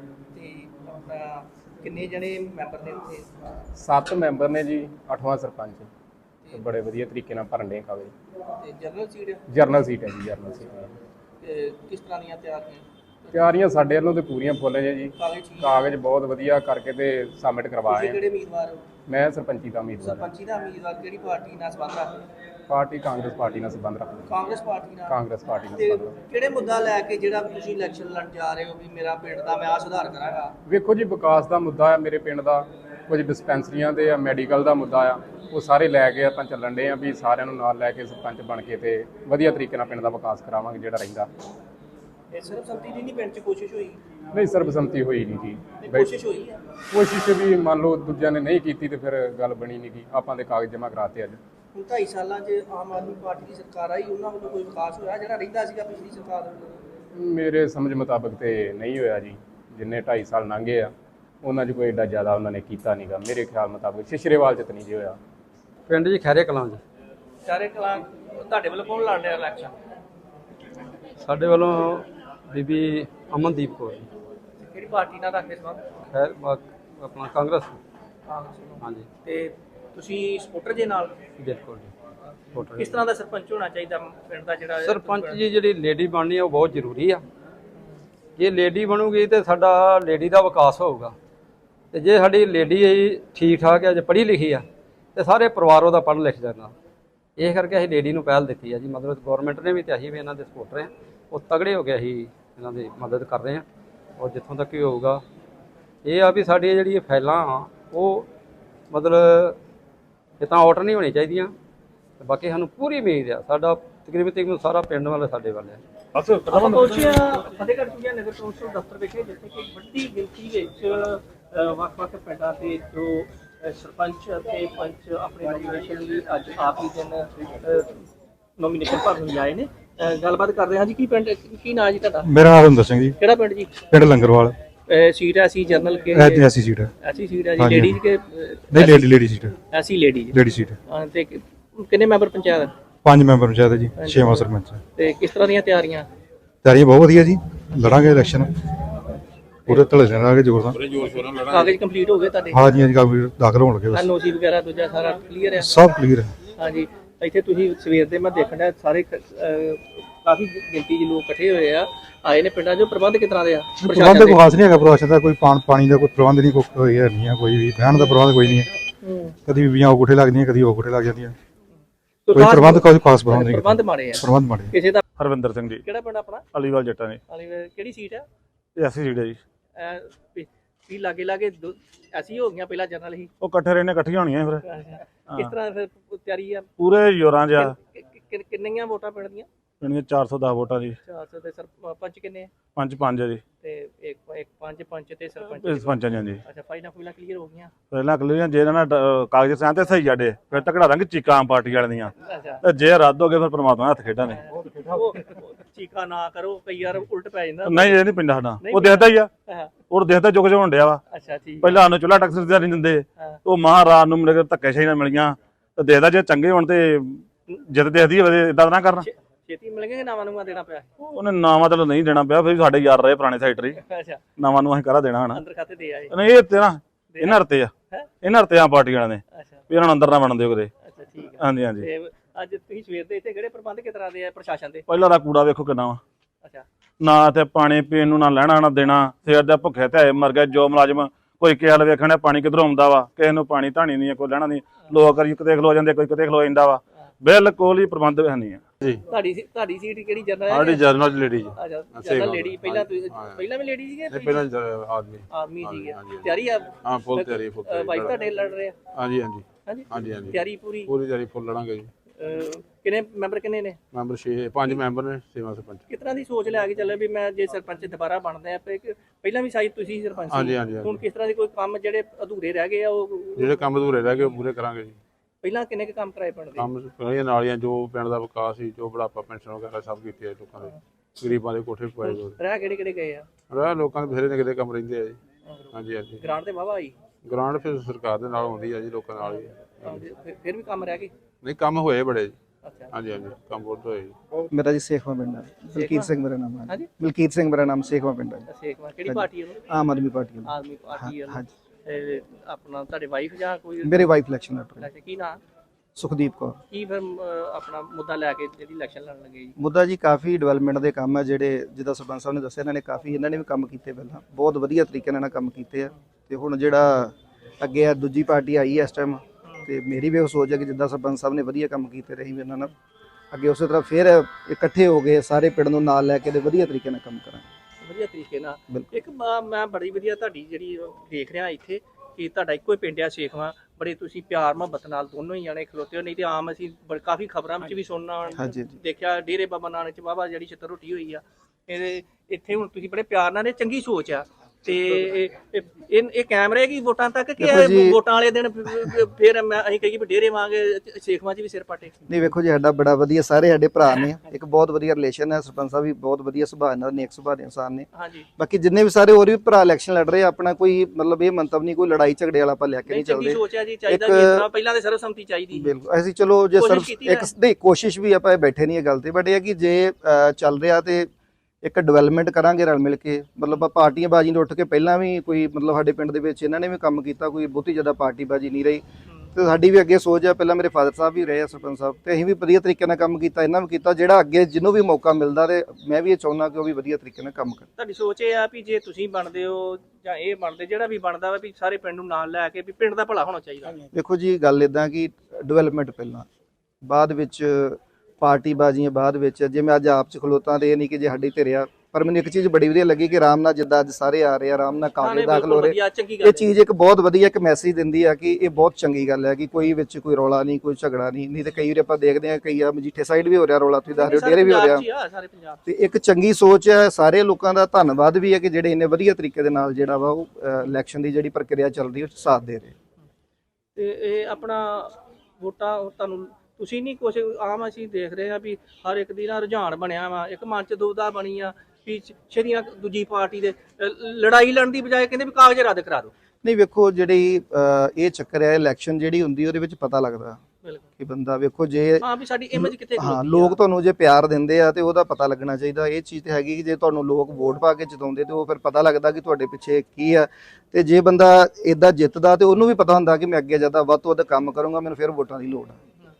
Speaker 2: ਤੇ ਆਪਣਾ ਕਿੰਨੇ ਜਣੇ ਮੈਂਬਰ ਨੇ ਇੱਥੇ?
Speaker 11: ਸੱਤ ਮੈਂਬਰ ਨੇ ਜੀ, ਅੱਠਵਾਂ ਸਰਪੰਚ ਤੇ ਬੜੇ ਵਧੀਆ ਤਰੀਕੇ ਨਾਲ ਭਰਨ ਦੇ ਕਾਗਜ਼।
Speaker 2: ਤੇ ਜਨਰਲ ਸੀਟ
Speaker 11: ਜਰਨਲ ਸੀਟ ਹੈ ਜੀ, ਜਰਨਲ ਸੀਟ ਹੈ।
Speaker 2: ਤੇ ਕਿਸ ਤਰ੍ਹਾਂ ਦੀਆਂ ਤਿਆਰੀਆਂ?
Speaker 11: ਤਿਆਰੀਆਂ ਸਾਡੇ ਵੱਲੋਂ ਤੇ ਪੂਰੀਆਂ ਫੁੱਲ ਨੇ ਜੀ।
Speaker 2: ਕਾਗਜ਼ ਠੀਕ?
Speaker 11: ਕਾਗਜ਼ ਬਹੁਤ ਵਧੀਆ ਕਰਕੇ ਤੇ ਸਬਮਿਟ ਕਰਵਾਏ
Speaker 2: ਤੁਸੀਂ
Speaker 11: ਆ।
Speaker 2: ਕਿਹੜੇ ਉਮੀਦਵਾਰ ਹੋ?
Speaker 11: ਮੈਂ ਸਰਪੰਚੀ ਦਾ ਉਮੀਦਵਾਰ ਹਾਂ।
Speaker 2: ਸਰਪੰਚੀ ਦਾ ਉਮੀਦਵਾਰ ਕਿਹੜੀ ਪਾਰਟੀ ਨਾਲ ਸੰਬੰਧ ਰੱਖਦੇ?
Speaker 11: ਪਾਰਟੀ ਕਾਂਗਰਸ ਪਾਰਟੀ ਨਾਲ ਸੰਬੰਧ ਰੱਖਦੀ।
Speaker 2: ਕਾਂਗਰਸ ਪਾਰਟੀ ਨਾਲ?
Speaker 11: ਕਾਂਗਰਸ ਪਾਰਟੀ ਨਾਲ
Speaker 2: ਤੇ
Speaker 11: ਸੰਬੰਧ ਰੱਖਦੀ।
Speaker 2: ਕਿਹੜੇ ਮੁੱਦਾ ਲੈ ਕੇ ਜਿਹੜਾ ਤੁਸੀਂ ਇਲੈਕਸ਼ਨ ਲੜਨ ਜਾ ਰਹੇ ਹੋ ਵੀ ਮੇਰਾ ਪਿੰਡ ਦਾ ਮੈਂ ਆ ਸੁਧਾਰ ਕਰਾਂਗਾ?
Speaker 11: ਵੇਖੋ ਜੀ, ਵਿਕਾਸ ਦਾ ਮੁੱਦਾ ਆ ਮੇਰੇ ਪਿੰਡ ਦਾ, ਕੁਝ ਡਿਸਪੈਂਸਰੀਆਂ ਦੇ ਆ, ਮੈਡੀਕਲ ਦਾ ਮੁੱਦਾ ਆ, ਉਹ ਸਾਰੇ ਲੈ ਕੇ ਆਪਾਂ ਚੱਲਣ ਦੇ ਆ ਵੀ ਸਾਰਿਆਂ ਨੂੰ ਨਾਲ ਲੈ ਕੇ ਸਰਪੰਚ ਬਣ ਕੇ ਤੇ ਵਧੀਆ ਤਰੀਕੇ ਨਾਲ ਪਿੰਡ ਦਾ ਵਿਕਾਸ ਕਰਾਵਾਂਗੇ ਜਿਹੜਾ ਰਹਿੰਦਾ।
Speaker 2: ਇਹ ਸਰਬਸੰਮਤੀ ਦੀ ਨਹੀਂ ਪਿੰਡ 'ਚ ਕੋਸ਼ਿਸ਼ ਹੋਈ?
Speaker 11: ਨਹੀਂ, ਸਰਬਸੰਮਤੀ ਹੋਈ ਨਹੀਂ ਜੀ।
Speaker 2: ਤੇ ਕੋਸ਼ਿਸ਼ ਹੋਈ ਹੈ?
Speaker 11: ਕੋਸ਼ਿਸ਼ ਵੀ ਮੰਨ ਲਓ ਦੂਜਿਆਂ ਨੇ ਨਹੀਂ ਕੀਤੀ ਤੇ ਫਿਰ ਗੱਲ ਬਣੀ ਨਹੀਂ ਗੀ। ਆਪਾਂ ਦੇ ਕਾਗਜ਼ ਜਮ੍ਹਾਂ ਕਰਾਤੇ ਅੱਜ।
Speaker 2: ਹੁਣ ਢਾਈ ਸਾਲਾਂ 'ਚ ਆਮ ਆਦਮੀ ਪਾਰਟੀ ਦੀ ਸਰਕਾਰ ਆਈ, ਉਹਨਾਂ ਵੱਲੋਂ ਕੋਈ ਵਿਕਾਸ ਹੋਇਆ ਜਿਹੜਾ ਰਹਿੰਦਾ ਸੀਗਾ ਪਿਛਲੀ ਸਰਕਾਰ ਵੱਲੋਂ?
Speaker 11: ਮੇਰੇ ਸਮਝ ਮੁਤਾਬਕ ਤੇ ਨਹੀਂ ਹੋਇਆ ਜੀ। ਜਿੰਨੇ ਢਾਈ ਸਾਲ ਲੰਘੇ ਆ ਉਹਨਾਂ 'ਚ ਕੋਈ ਏਡਾ ਜ਼ਿਆਦਾ ਉਹਨਾਂ ਨੇ ਕੀਤਾ ਨਹੀਂਗਾ ਮੇਰੇ ਖਿਆਲ ਮੁਤਾਬਕ। ਸ਼ਿਸ਼ਰੇਵਾਲ 'ਚ ਤਾਂ ਨਹੀਂ ਜੀ ਹੋਇਆ।
Speaker 6: ਪਿੰਡ ਜੀ ਖੈਰੇ ਕਲਾਂ ਜੀ।
Speaker 2: ਚਾਰੇ ਕਲਾਂ ਤੁਹਾਡੇ ਵੱਲੋਂ ਕੌਣ ਲੜ ਰਿਹਾ ਇਲੈਕਸ਼ਨ?
Speaker 6: ਸਾਡੇ ਵੱਲੋਂ ਬੀਬੀ ਅਮਨਦੀਪ ਕੌਰ ਜੀ।
Speaker 2: ਕਿਹੜੀ ਪਾਰਟੀ ਨਾਲ ਰੱਖਦੇ ਸੰਬੰਧ?
Speaker 6: ਖੈਰ ਆਪਣਾ ਕਾਂਗਰਸ।
Speaker 2: ਕਾਂਗਰਸ ਨੂੰ।
Speaker 6: ਹਾਂਜੀ,
Speaker 2: ਤੇ ਤੁਸੀਂ ਸਪੋਰਟਰ ਜੇ ਨਾਲ?
Speaker 6: ਬਿਲਕੁਲ ਜੀ। ਵੋਟਰ
Speaker 2: ਕਿਸ ਤਰ੍ਹਾਂ ਦਾ ਸਰਪੰਚ ਹੋਣਾ ਚਾਹੀਦਾ ਪਿੰਡ ਦਾ ਜਿਹੜਾ?
Speaker 6: ਸਰਪੰਚ ਜੀ ਜਿਹੜੀ ਲੇਡੀ ਬਣਨੀ ਆ ਉਹ ਬਹੁਤ ਜ਼ਰੂਰੀ ਆ। ਜੇ ਲੇਡੀ ਬਣੂਗੀ ਤੇ ਸਾਡਾ ਲੇਡੀ ਦਾ ਵਿਕਾਸ ਹੋਊਗਾ ਤੇ ਜੇ ਸਾਡੀ ਲੇਡੀ ਠੀਕ ਠਾਕ ਹੈ, ਜੇ ਪੜ੍ਹੀ ਲਿਖੀ ਆ ਤੇ ਸਾਰੇ ਪਰਿਵਾਰ ਉਹਦਾ ਪੜ੍ਹ ਲਿਖ ਜਾਣਾ। ਇਹ ਕਰਕੇ ਅਸੀਂ ਲੇਡੀ ਨੂੰ ਪਹਿਲ ਦਿੱਤੀ ਆ ਜੀ। ਮਤਲਬ ਗਵਰਨਮੈਂਟ ਨੇ ਵੀ ਤੇ ਅਸੀਂ ਵੀ ਇਹਨਾਂ ਦੇ ਸਪੋਰਟਰ ਹਾਂ। ਉਹ ਤਗੜੇ ਹੋ ਕੇ ਅਸੀਂ ਇਹਨਾਂ ਦੀ ਮਦਦ ਕਰ ਰਹੇ ਹਾਂ ਔਰ ਜਿੱਥੋਂ ਤੱਕ ਵੀ ਹੋਊਗਾ ਇਹ ਆ ਵੀ ਸਾਡੀਆਂ ਜਿਹੜੀਆਂ ਫਾਈਲਾਂ ਆ ਉਹ ਮਤਲਬ ਇਹ ਤਾਂ ਆਊਟ ਨਹੀਂ ਹੋਣੀਆਂ ਚਾਹੀਦੀਆਂ ਤੇ ਬਾਕੀ ਸਾਨੂੰ ਪੂਰੀ ਉਮੀਦ ਆ। ਸਾਡਾ ਤਕਰੀਬਨ ਤਕਰੀਬਨ ਸਾਰਾ ਪਿੰਡ ਵਾਲੇ ਸਾਡੇ ਵਾਲੇ ਆ।
Speaker 2: ਆਪਾਂ ਪਹੁੰਚਿਆ ਫਤਿਹਗੜ੍ਹ ਚੂੜੀਆਂ ਨਗਰ ਕੌਂਸਲ ਦਫ਼ਤਰ ਵਿਖੇ, ਜਿੱਥੇ ਕਿ ਵੱਡੀ ਗਿਣਤੀ ਵਿੱਚ ਅ, ਵੱਖ-ਵੱਖ ਪਿੰਡਾਂ ਦੇ ਜੋ ਅ, ਸਰਪੰਚ ਅਤੇ ਪੰਚ ਆਪਣੇ ਨੋਮੀਨੇਸ਼ਨ ਲਈ ਅੱਜ ਆਖਰੀ ਦਿਨ ਨੋਮੀਨੇਸ਼ਨ ਭਰਨ ਲਈ ਆਏ ਨੇ। ਅ, ਗੱਲਬਾਤ ਕਰਦੇ ਹਾਂ ਜੀ। ਕੀ ਪਿੰਡ ਕੀ ਨਾਂ ਜੀ ਤੁਹਾਡਾ?
Speaker 12: ਮੇਰਾ ਨਾਮ ਹਰਿੰਦਰ ਸਿੰਘ ਜੀ।
Speaker 2: ਕਿਹੜਾ ਪਿੰਡ ਜੀ?
Speaker 12: ਪਿੰਡ ਲੰਗਰਵਾਲ।
Speaker 2: ਸੀਟ ਐਸੀ ਜਨਰਲ ਕੇ
Speaker 12: ਐਸੀ ਐਸੀ ਸੀਟ ਹੈ।
Speaker 2: ਐਸੀ ਸੀਟ ਹੈ ਜੀ।
Speaker 12: ਹਾਂਜੀ।
Speaker 2: ਲੇਡੀਜ਼ ਕੇ?
Speaker 12: ਨਹੀਂ, ਲੇਡੀ ਲੇਡੀ ਸੀਟ ਹੈ।
Speaker 2: ਐਸੀ ਲੇਡੀ ਜੀ।
Speaker 12: ਲੇਡੀ ਸੀਟ ਹੈ।
Speaker 2: ਹਾਂ, ਤੇ ਕਿ- ਕਿੰਨੇ ਮੈਂਬਰ ਪੰਚਾਇਤ?
Speaker 12: ਪੰਜ ਮੈਂਬਰ ਪੰਚਾਇਤ ਹੈ ਜੀ, ਛੇਵਾਂ ਸਰਪੰਚ ਹੈ।
Speaker 2: ਤੇ ਕਿਸ ਤਰ੍ਹਾਂ ਦੀਆਂ ਤਿਆਰੀਆਂ?
Speaker 12: ਤਿਆਰੀਆਂ ਬਹੁਤ ਵਧੀਆ ਜੀ, ਲੜਾਂਗੇ ਇਲੈਕਸ਼ਨ ਪੂਰੇ ਧੜੇ ਨਾਲ ਲਾਗੇ ਜ਼ੋਰ ਨਾਲ।
Speaker 2: ਕਾਗਜ਼ ਕੰਪਲੀਟ ਹੋ ਗਏ ਤੁਹਾਡੇ?
Speaker 12: ਹਾਂ ਜੀ, ਅੱਜ ਕਾਗਜ਼ ਦਾਖਲ ਹੋਣ ਲੱਗੇ ਬਸ।
Speaker 2: ਐਨਓਸੀ ਵਗੈਰਾ ਦੂਜਾ ਸਾਰਾ ਕਲੀਅਰ ਹੈ?
Speaker 12: ਸਭ ਕਲੀਅਰ ਹੈ।
Speaker 2: ਹਾਂਜੀ। ਇੱਥੇ ਤੁਸੀਂ ਸਵੇਰ ਦੇ ਮੈਂ ਦੇਖਣ ਡਿਆ ਸਾਰੇ ਕ- ਅਹ ਕਾਫੀ ਗਿਣਤੀ 'ਚ ਲੋਕ ਇਕੱਠੇ ਹੋਏ ਆ ਆਏ ਨੇ ਪਿੰਡਾਂ 'ਚੋਂ। ਪ੍ਰਬੰਧ ਕਿਸ ਤਰ੍ਹਾਂ ਦੇ ਆ
Speaker 12: ਪ੍ਰਬੰਧ ਕੋਈ ਖਾਸ ਨਹੀਂ ਹੈਗਾ ਪ੍ਰਸ਼ਾਸਨ ਦਾ, ਕੋਈ ਪਾਣ- ਪਾਣੀ ਦਾ ਕੋਈ ਪ੍ਰਬੰਧ ਨਹੀਂ, ਕੋਈ ਹੋਈ ਹੈ ਨਹੀਂ ਹੈ, ਕੋਈ ਵੀ ਬਹਿਣ ਦਾ ਪ੍ਰਬੰਧ ਕੋਈ ਨਹੀਂ ਹੈ।
Speaker 2: ਹੂੰ।
Speaker 12: ਕਦੀ ਬੀਬੀਆਂ ਉਹ ਗੁੱਠੇ ਲੱਗਦੀਆਂ, ਕਦੀ ਉਹ ਗੁੱਠੇ ਲੱਗ ਜਾਂਦੀਆਂ,
Speaker 2: ਕੋਈ
Speaker 12: ਕੋਈ
Speaker 2: ਖਾਸ-
Speaker 12: ਪ੍ਰਬੰਧ ਕੋਈ ਖਾਸ ਪ੍ਰਬੰਧ ਨਹੀਂ।
Speaker 2: ਪ੍ਰਬੰਧ ਮਾੜੇ ਆ
Speaker 12: ਪ੍ਰਬੰਧ ਮਾੜੇ।
Speaker 2: ਕਿਸੇ ਦਾ
Speaker 10: ਹਰਵਿੰਦਰ ਸਿੰਘ ਜੀ,
Speaker 2: ਕਿਹੜਾ ਪਿੰਡ ਆਪਣਾ?
Speaker 10: ਅਲੀਵਾਲ ਜੱਟਾਂ ਨੇ।
Speaker 2: ਹਾਲੇ ਕਿਹੜੀ ਸੀਟ ਆ?
Speaker 10: ਇਹ ਐਸੀ ਸੀਟ ਹੈ ਜੀ।
Speaker 2: ਐ ਵੀ- ਵੀ ਲਾਗੇ ਲਾਗੇ ਦੋ- ਐਸੀ ਹੋ ਗਈਆਂ, ਪਹਿਲਾਂ ਜਨਰਲ ਹੀ।
Speaker 10: ਉਹ ਇਕੱਠੇ ਰਹਿਣੇ, ਇਕੱਠੀਆਂ ਹੋਣੀਆਂ ਫਿਰ।
Speaker 2: ਕਿਸ ਤਰ੍ਹਾਂ ਫਿਰ ਤਿਆਰੀ ਆ?
Speaker 10: ਪੂਰੇ ਜ਼ੋਰਾਂ 'ਚ ਆ।
Speaker 2: ਕਿ- ਕਿ- ਕਿੰਨੀਆਂ ਵੋਟਾਂ ਪਿੰਡ ਦੀਆਂ?
Speaker 10: ਪਿੰਡ ਦੀਆਂ ਚਾਰ ਸੌ ਦਸ ਵੋਟਾਂ ਜੀ।
Speaker 2: ਚਾਰ ਸੌ ਤੇ ਸਰਪੰਚ ਕਿੰਨੇ ਆ?
Speaker 10: ਪੰਜ ਪੰਜ ਆ ਜੀ।
Speaker 2: ਤੇ ਇੱਕ ਇੱਕ ਪੰਜ ਪੰਚ ਤੇ ਸਰਪੰਚ।
Speaker 10: ਇਹ ਸਰਪੰਚਾਂ ਦੀਆਂ ਜੀ।
Speaker 2: ਅੱਛਾ, ਫਾਈਲਾਂ ਫੁਈਲਾਂ ਕਲੀਅਰ ਹੋ ਗਈਆਂ?
Speaker 10: ਪਹਿਲਾਂ ਕਲੀਆਂ ਜੇ ਇਹਨਾਂ ਨਾਲ ਡ- ਕਾਗਜ਼ ਸਾਂ ਤੇ ਸਹੀ ਜਾਡੇ, ਫਿਰ ਤਕੜਾ ਦਾਂਗੇ ਚੀਕਾਂ ਆਮ ਪਾਰਟੀ ਵਾਲਿਆਂ ਦੀਆਂ।
Speaker 2: ਅੱਛਾ।
Speaker 10: ਤੇ ਜੇ ਰੱਦ ਹੋ ਗਏ ਫਿਰ ਪਰਮਾਤਮਾ ਹੱਥ ਖੇਡਾਂ ਨੇ।
Speaker 2: ਉਹ ਚੀਕਾ ਨਾ ਕਰੋ, ਕਈ ਵਾਰ ਉਲਟ ਪੈ ਜਾਂਦਾ।
Speaker 10: ਨਹੀਂ, ਇਹ ਨਹੀਂ ਪਿੰਡ ਸਾਡਾ।
Speaker 2: ਨਹੀਂ
Speaker 10: ਉਹ ਦੇਖਦਾ ਹੀ ਆ,
Speaker 2: ਹਾਂ।
Speaker 10: ਉਹ ਦੇਖਦਾ ਜੋ ਕੁਝ ਹੋਣ ਡਿਆ ਵਾ।
Speaker 2: ਅੱਛਾ, ਠੀਕ।
Speaker 10: ਪਹਿਲਾਂ ਸਾਨੂੰ ਚੁੱਲ੍ਹਾ ਟੈਕਸ ਨਹੀਂ ਦਿੰਦੇ,
Speaker 2: ਹਾਂ।
Speaker 10: ਉਹ ਮਹਾਰਾਜ ਨੂੰ ਮੇਰੇ ਧੱਕੇਸ਼ਾਹੀ ਨਾਲ ਮਿਲੀਆਂ। ਤੇ ਦੇਖਦਾ ਜੇ ਚੰਗੇ ਹੋਣ ਤੇ ਜਿੱਦ ਦੇਖਦੀ ਹੋਵੇ ਇਦਾਂ ਨਾ ਕਰਨ।
Speaker 2: ਛੇਤੀ ਮਿਲ ਗਏ, ਨਾਵਾਂ ਨੂੰ ਦੇਣਾ ਪਿਆ?
Speaker 10: ਉਹਨੇ ਨਾਵਾਂ ਤਾਂ ਨਹੀਂ ਦੇਣਾ ਪਿਆ, ਫਿਰ ਸਾਡੇ ਯਾਰ ਰਹੇ ਪੁਰਾਣੇ ਸੈਕਟਰੀ,
Speaker 2: ਅੱਛਾ।
Speaker 10: ਨਾਵਾਂ ਨੂੰ ਅਸੀਂ ਕਰਾ ਦੇਣਾ ਹਣਾ।
Speaker 2: ਅੰਦਰ ਖਾਤੇ ਦੇ ਆਏ?
Speaker 10: ਨਹੀਂ, ਇਹ ਤੇ ਨਾ ਇਹਨਾਂ ਰਤੇ ਆ, ਇਹਨਾਂ ਰਤੇ ਆ ਪਾਰਟੀ ਵਾਲਿਆਂ ਨੇ
Speaker 2: ਅੱਛਾ।
Speaker 10: ਵੀ ਇਹਨਾਂ ਨੂੰ ਅੰਦਰ ਨਾ ਵੜਨ ਦਿਓ ਕਦੇ।
Speaker 2: ਅੱਛਾ, ਠੀਕ ਆ।
Speaker 10: ਹਾਂਜੀ ਹਾਂਜੀ।
Speaker 2: ਤੇ ਅੱਜ ਤੁਸੀਂ ਸਵੇਰ ਦੇ ਇੱਥੇ ਕਿਹੜੇ ਪ੍ਰਬੰਧ ਕਿਸ ਤਰ੍ਹਾਂ ਦੇ ਆ ਪ੍ਰਸ਼ਾਸਨ ਦੇ?
Speaker 10: ਪਹਿਲਾਂ ਦਾ ਕੂੜਾ ਵੇਖੋ ਕਿੰਨਾ ਵਾ।
Speaker 2: ਅੱਛਾ।
Speaker 10: ਨਾ ਤੇ ਪਾਣੀ ਪੀਣ ਨੂੰ, ਨਾ ਲੈਣਾ ਨਾ ਦੇਣਾ। ਸਵੇਰ ਦੇ ਭੁੱਖੇ ਤੇ ਆਏ ਮਰ ਗਏ ਜੋ ਮੁਲਾਜ਼ਮ। ਕੋਈ ਕਿਸੇ ਵੱਲ ਵੇਖਣਾ ਪਾਣੀ ਕਿੱਧਰੋਂ ਆਉਂਦਾ ਵਾ, ਕਿਸੇ ਨੂੰ ਪਾਣੀ ਧਾਣੀ ਨਹੀਂ, ਕੋਈ ਲੈਣਾ ਨਹੀਂ। ਲੋਕ ਕਰੀ ਕਿਤੇ ਖਲੋ ਜਾਂਦੇ, ਕੋਈ ਕਿਤੇ ਖਲੋ ਜਾਂਦਾ ਵਾ। ਬਿਲਕੁਲ ਹੀ ਪ੍ਰਬੰਧ ਹੈ ਨਹੀਂ ਆ ਜੀ।
Speaker 2: ਤੁਹਾਡੀ ਸੀ- ਤੁਹਾਡੀ ਸੀਟ ਕਿਹੜੀ ਜਨਰਲ ਹੈ?
Speaker 10: ਸਾਡੀ ਜਰਨਲ ਲੇਡੀ ਜੀ।
Speaker 2: ਅੱਛਾ, ਜਨਰਲ ਲੇਡੀ। ਪਹਿਲਾਂ ਤੁਸੀਂ ਪਹਿਲਾਂ ਵੀ ਲੇਡੀ ਸੀਗੇ?
Speaker 10: ਪਹਿਲਾਂ ਆਦਮੀ
Speaker 2: ਆਦਮੀ ਸੀਗੇ। ਤਿਆਰੀ ਆ?
Speaker 10: ਹਾਂ, ਫੁੱਲ ਤਿਆਰੀ, ਫੁੱਲ ਤਿਆਰੀ।
Speaker 2: ਵਾਈਫ ਤੁਹਾਡੇ ਲੜ ਰਹੇ ਆ?
Speaker 10: ਹਾਂਜੀ ਹਾਂਜੀ
Speaker 2: ਹਾਂਜੀ
Speaker 10: ਹਾਂਜੀ ਹਾਂਜੀ।
Speaker 2: ਤਿਆਰੀ ਪੂਰੀ?
Speaker 10: ਪੂਰੀ ਤਿਆਰੀ ਫੁੱਲ ਲੜਾਂਗੇ ਜੀ।
Speaker 2: ਅਹ ਕਿੰਨੇ ਮੈਂਬਰ ਕਿੰਨੇ ਨੇ?
Speaker 10: ਮੈਂਬਰ ਛੇ ਪੰਜ ਮੈਂਬਰ ਨੇ, ਛੇਵਾਂ ਸਰਪੰਚ।
Speaker 2: ਕਿਸ ਤਰ੍ਹਾਂ ਦੀ ਸੋਚ ਲੈ ਕੇ ਚੱਲੇ ਵੀ ਮੈਂ ਜੇ ਸਰਪੰਚ ਦੁਬਾਰਾ ਬਣਦਾ ਆ? ਪਹਿਲਾਂ ਵੀ ਸ਼ਾਇਦ ਤੁਸੀਂ ਹੀ ਸਰਪੰਚ ਸੀ।
Speaker 10: ਹਾਂਜੀ ਹਾਂਜੀ।
Speaker 2: ਹੁਣ ਕਿਸ ਤਰ੍ਹਾਂ ਦੇ ਕੋਈ ਕੰਮ ਜਿਹੜੇ ਅਧੂਰੇ ਰਹਿ ਗਏ ਆ ਉਹ?
Speaker 10: ਜਿਹੜੇ ਕੰਮ ਅਧੂਰੇ ਰਹਿ ਗਏ ਉਹ ਪੂਰੇ ਕਰਾਂਗੇ ਜੀ।
Speaker 2: ਪਹਿਲਾਂ ਕਿੰਨੇ ਕੁ ਕੰਮ ਕਰਾਏ ਪਿੰਡ ਦੇ?
Speaker 10: ਕੰਮ ਕਰਾਈਆਂ ਨਾਲੀਆਂ, ਜੋ ਪਿੰਡ ਦਾ ਵਿਕਾਸ ਸੀ, ਜੋ ਬੁਢਾਪਾ ਪੈਨਸ਼ਨ ਵਗੈਰਾ ਸਭ ਕੀਤੇ ਆ ਲੋਕਾਂ ਦੇ। ਗਰੀਬਾਂ ਦੇ ਕੋਠੇ ਪਵਾਏ ਜੋ
Speaker 2: ਰਹਿ ਕਿਹੜੇ ਕਿਹੜੇ ਗਏ ਆ?
Speaker 10: ਰਹਿ ਲੋਕਾਂ ਦੇ ਬਥੇਰੇ ਨੇ ਕਿਤੇ ਕੰਮ ਰਹਿੰਦੇ ਆ ਜੀ। ਹਾਂਜੀ ਹਾਂਜੀ।
Speaker 2: ਗ੍ਰਾਂਟ ਤੇ ਵਾਵਾ ਆਈ?
Speaker 10: ਗ੍ਰਾਂਟ ਫਿਰ ਸਰਕਾਰ ਦੇ ਨਾਲ ਆਉਂਦੀ ਆ ਜੀ, ਲੋਕਾਂ ਨਾਲ ਹੀ।
Speaker 2: ਫਿਰ- ਫਿਰ ਵੀ ਕੰਮ ਰਹਿ ਗਏ?
Speaker 10: ਨਹੀਂ, ਕੰਮ ਹੋਏ ਬੜੇ ਜੀ।
Speaker 2: ਅੱਛਾ।
Speaker 10: ਹਾਂਜੀ ਹਾਂਜੀ, ਕੰਮ ਬਹੁਤ ਹੋਏ ਜੀ।
Speaker 9: ਮੇਰਾ ਜੀ ਸੇਖਵਾ ਪਿੰਡ ਹੈ, ਮਲਕੀਤ ਸਿੰਘ ਮੇਰਾ ਨਾਮ ਹੈ।
Speaker 2: ਹਾਂਜੀ।
Speaker 9: ਮਲਕੀਤ ਸਿੰਘ ਮੇਰਾ ਨਾਮ, ਸੇਖਵਾ ਪਿੰਡ ਹੈ।
Speaker 2: ਸੇਖਵਾ ਕਿਹੜੀ ਪਾਰਟੀ ਹੈ?
Speaker 9: ਆਮ ਆਦਮੀ ਪਾਰਟੀ ਵੱਲੋਂ।
Speaker 2: ਆਦਮੀ ਪਾਰਟੀ ਵੱਲੋਂ।
Speaker 9: ਹਾਂਜੀ।
Speaker 2: ਇਹ ਆਪਣਾ ਤੁਹਾਡੇ ਵਾਈਫ ਜਾਂ ਕੋਈ?
Speaker 9: ਮੇਰੇ ਵਾਈਫ ਇਲੈਕਸ਼ਨ ਲੜ ਰਹੇ।
Speaker 2: ਅੱਛਾ, ਕੀ ਨਾਂ?
Speaker 9: ਸੁਖਦੀਪ ਕੌਰ।
Speaker 2: ਕੀ ਫਿਰ ਅਹ, ਆਪਣਾ ਮੁੱਦਾ ਲੈ ਕੇ ਜਿਹੜੀ ਇਲੈਕਸ਼ਨ ਲੜਨ ਲੱਗੇ ਜੀ?
Speaker 9: ਮੁੱਦਾ ਜੀ ਕਾਫੀ ਡਿਵੈਲਪਮੈਂਟ ਦੇ ਕੰਮ ਹੈ ਜਿਹੜੇ ਜਿੱਦਾਂ ਸਰਪੰਚ ਸਾਹਿਬ ਨੇ ਦੱਸਿਆ, ਇਹਨਾਂ ਨੇ ਕਾਫੀ ਇਹਨਾਂ ਨੇ ਵੀ ਕੰਮ ਕੀਤੇ ਪਹਿਲਾਂ, ਬਹੁਤ ਵਧੀਆ ਤਰੀਕੇ ਨਾਲ ਇਹਨਾਂ ਕੰਮ ਕੀਤੇ ਆ। ਤੇ ਹੁਣ ਜਿਹੜਾ ਅੱਗੇ ਆ ਦੂਜੀ ਪਾਰਟੀ ਆਈ ਹੈ ਇਸ ਟਾਈਮ, ਤੇ ਮੇਰੀ ਵੀ ਉਹ ਸੋਚ ਹੈ ਕਿ ਜਿੱਦਾਂ ਸਰਪੰਚ ਸਾਹਿਬ ਨੇ ਵਧੀਆ ਕੰਮ ਕੀਤੇ ਰਹੀ ਵੀ ਇਹਨਾਂ ਨਾਲ ਅੱਗੇ ਉਸੇ ਤਰ੍ਹਾਂ ਫਿਰ ਇਕੱਠੇ ਹੋ ਗਏ ਸਾਰੇ ਪਿੰਡ ਨੂੰ ਨਾਲ ਲੈ ਕੇ ਤੇ ਵਧੀਆ ਤਰੀਕੇ ਨਾਲ ਕੰਮ ਕਰਾਂਗੇ।
Speaker 2: ਵਧੀਆ ਤਰੀਕੇ ਨਾਲ।
Speaker 9: ਬਿਲਕੁਲ।
Speaker 2: ਇੱਕ ਮ- ਮੈਂ ਬੜੀ ਵਧੀਆ ਤੁਹਾਡੀ ਜਿਹੜੀ ਉਹ ਦੇਖ ਰਿਹਾ ਇੱਥੇ ਕਿ ਤੁਹਾਡਾ ਇੱਕੋ ਹੀ ਪਿੰਡ ਆ ਸੇਖਵਾ, ਬੜੇ ਤੁਸੀਂ ਪਿਆਰ ਮੁਹੱਬਤ ਨਾਲ ਦੋਨੋਂ ਹੀ ਜਾਣੇ ਖਲੋਤੇ ਹੋ। ਨਹੀਂ ਤੇ ਆਮ ਅਸੀਂ ਬੜ- ਕਾਫੀ ਖਬਰਾਂ ਵਿੱਚ ਵੀ ਸੁਣਨਾ
Speaker 9: ਹਾਂਜੀ ਹਾਂਜੀ।
Speaker 2: ਦੇਖਿਆ, ਡੇਰੇ ਬਾਬਾ ਨਾਨਕ ਚ ਬਾਬਾ ਜਿਹੜੀ ਛਿੱਤਰ ਰੋਟੀ ਹੋਈ ਆ। ਇਹਦੇ ਇੱਥੇ ਹੁਣ ਤੁਸੀਂ ਬੜੇ ਪਿਆਰ ਨਾਲ, ਇਹ ਚੰਗੀ ਸੋਚ ਆ। ਤੇ ਇਹ ਇਹ ਇਹ ਕਾਇਮ ਰਹੇਗੀ ਵੋਟਾਂ ਤੱਕ ਕਿ
Speaker 9: ਦੇਖੋ ਜੀ-
Speaker 2: ਵੋਟਾਂ ਵਾਲੇ ਦਿਨ ਫਿਰ- ਫਿਰ ਮੈਂ ਅਸੀਂ ਕਹੀਏ ਵੀ ਡੇਰੇ ਵਾਂਗੇ ਸੇਖਵਾਂ ਚ ਵੀ ਸਿਰ ਪਾਟੇ?
Speaker 9: ਨਹੀਂ ਵੇਖੋ ਜੀ, ਸਾਡਾ ਬੜਾ ਵਧੀਆ, ਸਾਰੇ ਸਾਡੇ ਭਰਾ ਨੇ, ਇੱਕ ਬਹੁਤ ਵਧੀਆ ਰਿਲੇਸ਼ਨ ਹੈ। ਸਰਪੰਚ ਸਾਹਿਬ ਵੀ ਬਹੁਤ ਵਧੀਆ ਸੁਭਾਅ ਨਾਲ, ਨੇਕ ਸੁਭਾਅ ਦੇ ਇਨਸਾਨ ਨੇ।
Speaker 2: ਹਾਂਜੀ।
Speaker 9: ਬਾਕੀ ਜਿੰਨੇ ਵੀ ਸਾਰੇ ਹੋਰ ਵੀ ਭਰਾ ਇਲੈਕਸ਼ਨ ਲੜ ਰਹੇ ਆ, ਆਪਣਾ ਕੋਈ ਮਤਲਬ ਇਹ ਮੰਤਵ ਨਹੀਂ, ਕੋਈ ਲੜਾਈ ਝਗੜੇ ਵਾਲਾ ਆਪਾਂ ਲੈ ਕੇ ਨਹੀਂ
Speaker 2: ਚੰਗੀ
Speaker 9: ਚੱਲਦੇ।
Speaker 2: ਸੋਚ ਹੈ ਜੀ, ਚਾਹੀਦਾ ਜਿਸ ਤਰ੍ਹਾਂ ਪਹਿਲਾਂ ਦੇ ਸਰਵਸੰਮਤੀ ਚਾਹੀਦੀ।
Speaker 9: ਬਿਲਕੁਲ। ਅਸੀਂ ਚਲੋ ਜੇ
Speaker 2: ਕੋਸ਼ਿਸ਼
Speaker 9: ਸਰਵ
Speaker 2: ਕੀਤੀ
Speaker 9: ਇੱਕ ਨਹੀਂ ਕੋਸ਼ਿਸ਼ ਵੀ ਆਪਾਂ ਬੈਠੇ ਨਹੀਂ ਇਹ ਗੱਲ ਤੇ, ਬਟ ਇਹ ਹੈ ਕਿ ਜੇ ਅ, ਚੱਲ ਰਿਹਾ ਤੇ ਇੱਕ ਡਿਵੈਲਪਮੈਂਟ ਕਰਾਂਗੇ ਰਲ ਮਿਲ ਕੇ। ਮਤਲਬ ਪਾਰਟੀਆਂ ਬਾਜੀ ਨੂੰ ਉੱਠ ਕੇ ਪਹਿਲਾਂ ਵੀ ਕੋਈ ਮਤਲਬ ਸਾਡੇ ਪਿੰਡ ਦੇ ਵਿੱਚ ਇਹਨਾਂ ਨੇ ਵੀ ਕੰਮ ਕੀਤਾ, ਕੋਈ ਬਹੁਤੀ ਜ਼ਿਆਦਾ ਪਾਰਟੀ ਬਾਜੀ ਨਹੀਂ ਰਹੀ। ਤੇ ਸਾਡੀ ਵੀ ਅੱਗੇ ਸੋਚ ਹੈ, ਪਹਿਲਾਂ ਮੇਰੇ ਫਾਦਰ ਸਾਹਿਬ ਵੀ ਰਹੇ ਆ ਸਰਪੰਚ ਸਾਹਿਬ, ਤੇ ਅਸੀਂ ਵੀ ਵਧੀਆ ਤਰੀਕੇ ਨਾਲ ਕੰਮ ਕੀਤਾ, ਇਹਨਾਂ ਵੀ ਕੀਤਾ। ਜਿਹੜਾ ਅੱਗੇ ਜਿਹਨੂੰ ਵੀ ਮੌਕਾ ਮਿਲਦਾ ਤੇ ਮੈਂ ਵੀ ਇਹ ਚਾਹੁੰਦਾ ਕਿ ਉਹ ਵੀ ਵਧੀਆ ਤਰੀਕੇ ਨਾਲ ਕੰਮ ਕਰੇ।
Speaker 2: ਤੁਹਾਡੀ ਸੋਚ ਇਹ ਆ ਵੀ ਜੇ ਤੁਸੀਂ ਬਣਦੇ ਹੋ ਜਾਂ ਇਹ ਬਣਦੇ, ਜਿਹੜਾ ਵੀ ਬਣਦਾ ਵਾ ਵੀ ਸਾਰੇ ਪਿੰਡ ਨੂੰ ਨਾਲ ਲੈ ਕੇ ਵੀ ਪਿੰਡ ਦਾ ਭਲਾ ਹੋਣਾ ਚਾਹੀਦਾ।
Speaker 9: ਦੇਖੋ ਜੀ, ਗੱਲ ਇਦਾਂ ਕਿ ਡਿਵੈਲਪਮੈਂਟ ਪਹਿਲਾਂ, ਬਾਅਦ ਵਿੱਚ ਪਾਰਟੀ ਬਾਜ਼ੀਆਂ ਬਾਅਦ ਵਿੱਚ। ਜੇ ਮੈਂ ਅੱਜ ਆਪ ਚ ਖਲੋਤਾ ਤੇ ਇਹ ਨਹੀਂ ਕਿ ਜੇ ਸਾਡੀ ਧਿਰਿਆ, ਪਰ ਮੈਨੂੰ ਇੱਕ ਚੀਜ਼ ਬੜੀ ਵਧੀਆ ਲੱਗੀ ਕਿ ਆਰਾਮ ਨਾਲ ਜਿੱਦਾਂ ਅੱਜ ਸਾਰੇ ਆ ਰਹੇ ਆ, ਆਰਾਮ ਨਾਲ ਕਾਗਜ਼ ਦਾਖਲ ਹੋ ਰਹੇ। ਇਹ ਚੀਜ਼ ਇੱਕ ਬਹੁਤ ਵਧੀਆ ਇੱਕ ਮੈਸੇਜ ਦਿੰਦੀ ਆ ਕਿ ਇਹ ਬਹੁਤ ਚੰਗੀ ਗੱਲ ਹੈ ਕਿ ਕੋਈ ਵਿੱਚ ਕੋਈ ਰੌਲਾ ਨਹੀਂ, ਕੋਈ ਝਗੜਾ ਨਹੀਂ। ਨਹੀਂ ਤੇ ਕਈ ਵਾਰ ਆਪਾਂ ਦੇਖਦੇ ਆ ਕਈ ਆ ਮਜੀਠੇ ਸਾਈਡ ਵੀ ਹੋ ਰਿਹਾ ਰੌਲਾ, ਤੁਸੀਂ ਦੱਸ ਰਹੇ ਹੋ, ਡੇਰੇ ਵੀ ਹੋ ਰਿਹਾ। ਤੇ ਇੱਕ ਚੰਗੀ ਸੋਚ ਹੈ, ਸਾਰੇ ਲੋਕਾਂ ਦਾ ਧੰਨਵਾਦ ਵੀ ਹੈ ਕਿ ਜਿਹੜੇ ਇੰਨੇ ਵਧੀਆ ਤਰੀਕੇ ਦੇ ਨਾਲ ਜਿਹੜਾ ਵਾ ਉਹ ਇਲੈਕਸ਼ਨ ਦੀ ਜਿਹੜੀ ਪ੍ਰਕਿਰਿਆ ਚੱਲਦੀ ਉਹ ਸਾਥ ਦੇ ਰਹੇ।
Speaker 2: ਤੇ ਇਹ ਆਪਣਾ ਵੋਟਾਂ ਤੁਹਾਨੂੰ ਤੁਸੀਂ ਨਹੀਂ ਕੁਛ ਆਮ ਅਸੀਂ ਦੇਖ ਰਹੇ ਆ ਵੀ ਹਰ ਇੱਕ ਦੀ ਨਾ ਰੁਝਾਨ ਬਣਿਆ ਵਾ, ਇੱਕ ਮਨ ਚ ਦੁਵਿਧਾ ਬਣੀ ਆ ਵੀ ਛੇਤੀਆਂ ਦੂਜੀ ਪਾਰਟੀ ਦੇ ਲੜਾਈ ਲੜਨ ਦੀ ਬਜਾਏ ਕਹਿੰਦੇ ਵੀ ਕਾਗਜ਼ ਰੱਦ ਕਰਾ ਦਿਓ।
Speaker 9: ਨਹੀਂ ਵੇਖੋ, ਜਿਹੜੀ ਇਹ ਚੱਕਰ ਹੈ ਇਲੈਕਸ਼ਨ ਜਿਹੜੀ ਹੁੰਦੀ ਉਹਦੇ ਵਿੱਚ ਪਤਾ ਲੱਗਦਾ ਕਿ ਬੰਦਾ ਵੇਖੋ ਜੇ
Speaker 2: ਹਾਂ ਵੀ ਸਾਡੀ ਇਮੇਜ ਕਿੱਥੇ
Speaker 9: ਹਾਂ ਲੋਕ ਤੁਹਾਨੂੰ ਜੇ ਪਿਆਰ ਦਿੰਦੇ ਆ ਤੇ ਉਹਦਾ ਪਤਾ ਲੱਗਣਾ ਚਾਹੀਦਾ। ਇਹ ਚੀਜ਼ ਤੇ ਹੈਗੀ ਕਿ ਜੇ ਤੁਹਾਨੂੰ ਲੋਕ ਵੋਟ ਪਾ ਕੇ ਜਿਤਾਉਂਦੇ ਤੇ ਉਹ ਫਿਰ ਪਤਾ ਲੱਗਦਾ ਕਿ ਤੁਹਾਡੇ ਪਿੱਛੇ ਕੀ ਆ। ਤੇ ਜੇ ਬੰਦਾ ਇਦਾਂ ਜਿੱਤਦਾ ਤੇ ਉਹਨੂੰ ਵੀ ਪਤਾ ਹੁੰਦਾ ਕਿ ਮੈਂ ਅੱਗੇ ਜਿਆਦਾ ਵੱਧ ਤੋਂ ਵੱਧ ਕੰਮ ਕਰੂੰਗਾ, ਮੈਨੂੰ ਫਿਰ ਵੋਟਾਂ ਦੀ ਲੋੜ ਆ।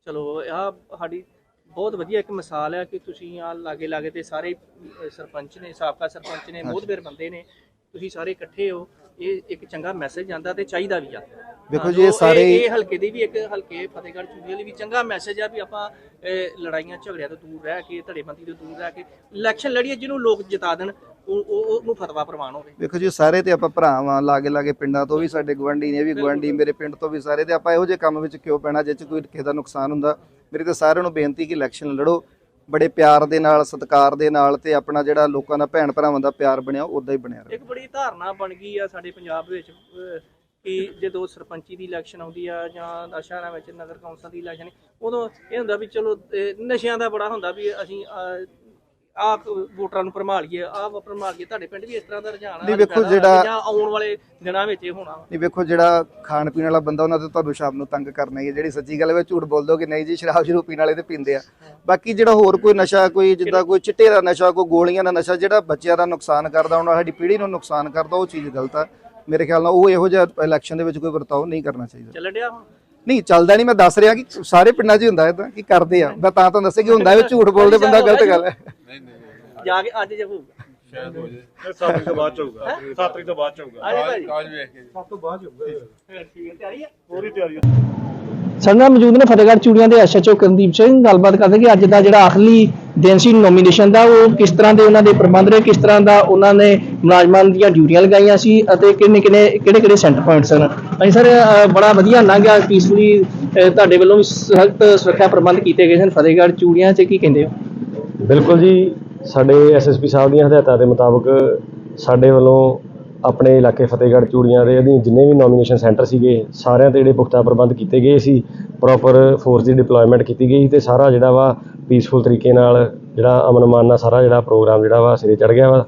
Speaker 2: ਚਲੋ ਆ ਸਾਡੀ ਬਹੁਤ ਵਧੀਆ ਇੱਕ ਮਿਸਾਲ ਹੈ ਕਿ ਤੁਸੀਂ ਆ ਲਾਗੇ ਲਾਗੇ ਤੇ ਸਾਰੇ ਅਹ, ਸਰਪੰਚ ਨੇ, ਸਾਬਕਾ ਸਰਪੰਚ ਨੇ, ਮੋਹਤਬਰ ਬੰਦੇ ਨੇ, ਤੁਸੀਂ ਸਾਰੇ ਇਕੱਠੇ ਹੋ। ਇਹ ਇੱਕ ਚੰਗਾ ਮੈਸੇਜ ਜਾਂਦਾ ਤੇ ਚਾਹੀਦਾ ਵੀ ਆ।
Speaker 9: ਦੇਖੋ ਜੀ ਇਹ ਸਾਰੇ
Speaker 2: ਇਹ ਹਲਕੇ ਦੀ ਵੀ ਇੱਕ ਹਲਕੇ ਫਤਿਹਗੜ੍ਹ ਚੂੜੀਆਂ ਲਈ ਵੀ ਚੰਗਾ ਮੈਸੇਜ ਆ ਵੀ ਆਪਾਂ ਅਹ, ਲੜਾਈਆਂ ਝਗੜਿਆਂ ਤੋਂ ਦੂਰ ਰਹਿ ਕੇ, ਧੜੇਬੰਦੀ ਤੋਂ ਦੂਰ ਰਹਿ ਕੇ ਇਲੈਕਸ਼ਨ ਲੜੀਏ, ਜਿਹਨੂੰ ਲੋਕ ਜਿਤਾ ਦੇਣ, ਉਹ ਉਹ- ਉਹਨੂੰ ਫਤਵਾ ਪ੍ਰਵਾਨ ਹੋਵੇ।
Speaker 9: ਦੇਖੋ ਜੀ ਸਾਰੇ ਤੇ ਆਪਾਂ ਭਰਾ ਵਾਂ, ਲਾਗੇ ਲਾਗੇ ਪਿੰਡਾਂ ਤੋਂ ਵੀ ਸਾਡੇ ਗਵਾਂਢੀ ਨੇ, ਵੀ ਗਵਾਂਢੀ ਮੇਰੇ ਪਿੰਡ ਤੋਂ ਵੀ ਸਾਰੇ, ਤੇ ਆਪਾਂ ਇਹੋ ਜਿਹੇ ਕੰਮ ਵਿੱਚ ਕਿਉਂ ਪੈਣਾ ਜਿਹ 'ਚ ਕੋਈ ਕਿਸੇ ਦਾ ਨੁਕਸਾਨ ਹੁੰਦਾ। ਮੇਰੀ ਤਾਂ ਸਾਰਿਆਂ ਨੂੰ ਬੇਨਤੀ ਕਿ ਇਲੈਕਸ਼ਨ ਲੜੋ ਬੜੇ ਪਿਆਰ ਦੇ ਨਾਲ, ਸਤਿਕਾਰ ਦੇ ਨਾਲ, ਤੇ ਆਪਣਾ ਜਿਹੜਾ ਲੋਕਾਂ ਦਾ ਭੈਣ ਭਰਾਵਾਂ ਦਾ ਪਿਆਰ ਬਣਿਆ ਉਦਾਂ ਹੀ ਬਣਿਆ ਰਹੇ।
Speaker 2: ਇੱਕ ਬੜੀ ਧਾਰਨਾ ਬਣ ਗਈ ਆ ਸਾਡੇ ਪੰਜਾਬ ਵਿੱਚ ਅਹ, ਕਿ ਜਦੋਂ ਸਰਪੰਚੀ ਦੀ ਇਲੈਕਸ਼ਨ ਆਉਂਦੀ ਆ ਜਾਂ ਸ਼ਹਿਰਾਂ ਵਿੱਚ ਨਗਰ ਕੌਂਸਲ ਦੀ ਇਲੈਕਸ਼ਨ, ਉਦੋਂ ਇਹ ਹੁੰਦਾ ਵੀ ਚਲੋ ਅਹ, ਨਸ਼ਿਆਂ ਦਾ ਬੜਾ ਹੁੰਦਾ ਵੀ ਅਸੀਂ ਅਹ, ਆਹ ਵੋਟਰਾਂ ਨੂੰ ਭਰਮਾਲੀਏ, ਆਹ ਭਰਮਾਲੀਏ। ਤੁਹਾਡੇ ਪਿੰਡ ਵੀ ਇਸ ਤਰ੍ਹਾਂ ਦਾ ਰੁਝਾਨ
Speaker 9: ਨਹੀਂ ਵੇਖੋ ਜਿਹੜਾ
Speaker 2: ਜਾਂ ਆਉਣ ਵਾਲੇ ਦਿਨਾਂ ਵਿੱਚ ਇਹ ਹੋਣਾ।
Speaker 9: ਨਹੀਂ ਵੇਖੋ ਜਿਹੜਾ ਖਾਣ ਪੀਣ ਵਾਲਾ ਬੰਦਾ ਉਹਨਾਂ ਤੇ ਤੁਹਾਨੂੰ ਸ਼ਾਮ ਨੂੰ ਤੰਗ ਕਰਨਾ ਹੀ ਹੈ। ਜਿਹੜੀ ਸੱਚੀ ਗੱਲ ਹੈ, ਝੂਠ ਬੋਲ ਦੋ ਕਿ ਨਹੀਂ ਜੀ ਸ਼ਰਾਬ ਸ਼ਰੂਬ ਪੀਣ ਵਾਲੇ ਤੇ ਪੀਂਦੇ ਆ। ਬਾਕੀ ਜਿਹੜਾ ਹੋਰ ਕੋਈ ਨਸ਼ਾ, ਕੋਈ ਜਿੱਦਾਂ ਕੋਈ ਚਿੱਟੇ ਦਾ ਨਸ਼ਾ, ਕੋਈ ਗੋਲੀਆਂ ਦਾ ਨਸ਼ਾ, ਜਿਹੜਾ ਬੱਚਿਆਂ ਦਾ ਨੁਕਸਾਨ ਕਰਦਾ, ਉਹਨਾਂ ਸਾਡੀ ਪੀੜ੍ਹੀ ਨੂੰ ਨੁਕਸਾਨ ਕਰਦਾ, ਉਹ ਚੀਜ਼ ਗਲਤ ਆ। ਮੇਰੇ ਖਿਆਲ ਨਾਲ ਉਹ ਇਹੋ ਜਿਹਾ ਇਲੈਕਸ਼ਨ ਦੇ ਵਿੱਚ ਕੋਈ ਵਰਤਾਓ ਨਹੀਂ ਕਰਨਾ ਚਾਹੀਦਾ।
Speaker 2: ਚੱਲ ਡਿਆ ਹੁਣ
Speaker 9: ਨਹੀਂ ਚੱਲਦਾ ਨਹੀਂ, ਮੈਂ ਦੱਸ ਰਿਹਾ ਕਿ ਸਾਰੇ ਪਿੰਡਾਂ 'ਚ ਹੀ ਹੁੰਦਾ ਇਦਾਂ ਕੀ ਕਰਦੇ ਆ। ਮੈਂ ਤਾਂ ਤੁਹਾਨੂੰ ਦੱਸਿਆ ਕਿ ਹੁੰਦਾ, ਝੂਠ ਬੋਲਦੇ ਬੰਦਾ ਗਲਤ ਗੱਲ ਹੈ।
Speaker 2: ਜਾ ਕੇ ਅੱਜ ਜੇ ਹੋਊਗਾ
Speaker 7: ਸ਼ਾਇਦ ਹੋ ਜਾਏ ਸੱਤ ਤਰੀਕ ਤੋਂ ਬਾਅਦ ਚ ਹੋਊਗਾ। ਸੱਤ ਤਰੀਕ ਤੋਂ ਬਾਅਦ ਚ ਹੋਊਗਾ।
Speaker 2: ਆਜੇ ਭਾਜੀ
Speaker 7: ਕਾਜ ਵੇਖ ਕੇ
Speaker 3: ਸਭ ਤੋਂ ਬਾਅਦ ਹੋਊਗਾ।
Speaker 2: ਠੀਕ ਹੈ, ਤਿਆਰੀ ਆ
Speaker 7: ਪੂਰੀ ਤਿਆਰੀ ਆ।
Speaker 6: ਸਾਡੇ ਨਾਲ ਮੌਜੂਦ ਨੇ ਫਤਿਹਗੜ੍ਹ ਚੂੜੀਆਂ ਦੇ ਐਸਐਚਓ ਕਰਨਦੀਪ ਸਿੰਘ। ਗੱਲਬਾਤ ਕਰਦੇ ਕਿ ਅੱਜ ਦਾ ਜਿਹੜਾ ਆਖਰੀ ਦਿਨ ਸੀ ਨੋਮੀਨੇਸ਼ਨ ਦਾ, ਉਹ ਕਿਸ ਤਰ੍ਹਾਂ ਦੇ ਉਹਨਾਂ ਦੇ ਪ੍ਰਬੰਧ ਰਹੇ, ਕਿਸ ਤਰ੍ਹਾਂ ਦਾ ਉਹਨਾਂ ਨੇ ਮੁਲਾਜ਼ਮਾਂ ਦੀਆਂ ਡਿਊਟੀਆਂ ਲਗਾਈਆਂ ਸੀ ਅਤੇ ਕਿੰਨੇ ਕਿੰਨੇ ਕਿਹੜੇ ਕਿਹੜੇ ਸੈਂਟਰ ਪੁਆਇੰਟ ਸਨ। ਹਾਂਜੀ ਸਰ, ਬੜਾ ਵਧੀਆ ਲੰਘਿਆ, ਪੀਸਫੁਲੀ ਤੁਹਾਡੇ ਵੱਲੋਂ ਵੀ ਸਖਤ ਸੁਰੱਖਿਆ ਪ੍ਰਬੰਧ ਕੀਤੇ ਗਏ ਸਨ ਫਤਿਹਗੜ੍ਹ ਚੂੜੀਆਂ 'ਚ, ਕੀ ਕਹਿੰਦੇ ਹੋ?
Speaker 4: ਬਿਲਕੁਲ ਜੀ, ਸਾਡੇ ਐਸਐਸਪੀ ਸਾਹਿਬ ਦੀਆਂ ਹਦਾਇਤਾਂ ਦੇ ਮੁਤਾਬਕ ਸਾਡੇ ਵੱਲੋਂ ਆਪਣੇ ਇਲਾਕੇ ਫਤਿਹਗੜ੍ਹ ਚੂੜੀਆਂ ਦੇ ਅਧੀਨ ਜਿੰਨੇ ਵੀ ਨੋਮੀਨੇਸ਼ਨ ਸੈਂਟਰ ਸੀਗੇ, ਸਾਰਿਆਂ ਤੇ ਜਿਹੜੇ ਪੁਖਤਾ ਪ੍ਰਬੰਧ ਕੀਤੇ ਗਏ ਸੀ। ਪ੍ਰੋਪਰ ਫੋਰਸ ਦੀ ਡਿਪਲੋਇਮੈਂਟ ਕੀਤੀ ਗਈ ਤੇ ਸਾਰਾ ਜਿਹੜਾ ਵਾ ਪੀਸਫੁਲ ਤਰੀਕੇ ਨਾਲ, ਜਿਹੜਾ ਅਮਨ ਮਾਨ ਨਾਲ ਸਾਰਾ ਜਿਹੜਾ ਪ੍ਰੋਗਰਾਮ ਜਿਹੜਾ ਵਾ ਸਿਰੇ ਚੜ੍ਹ ਗਿਆ ਵਾ।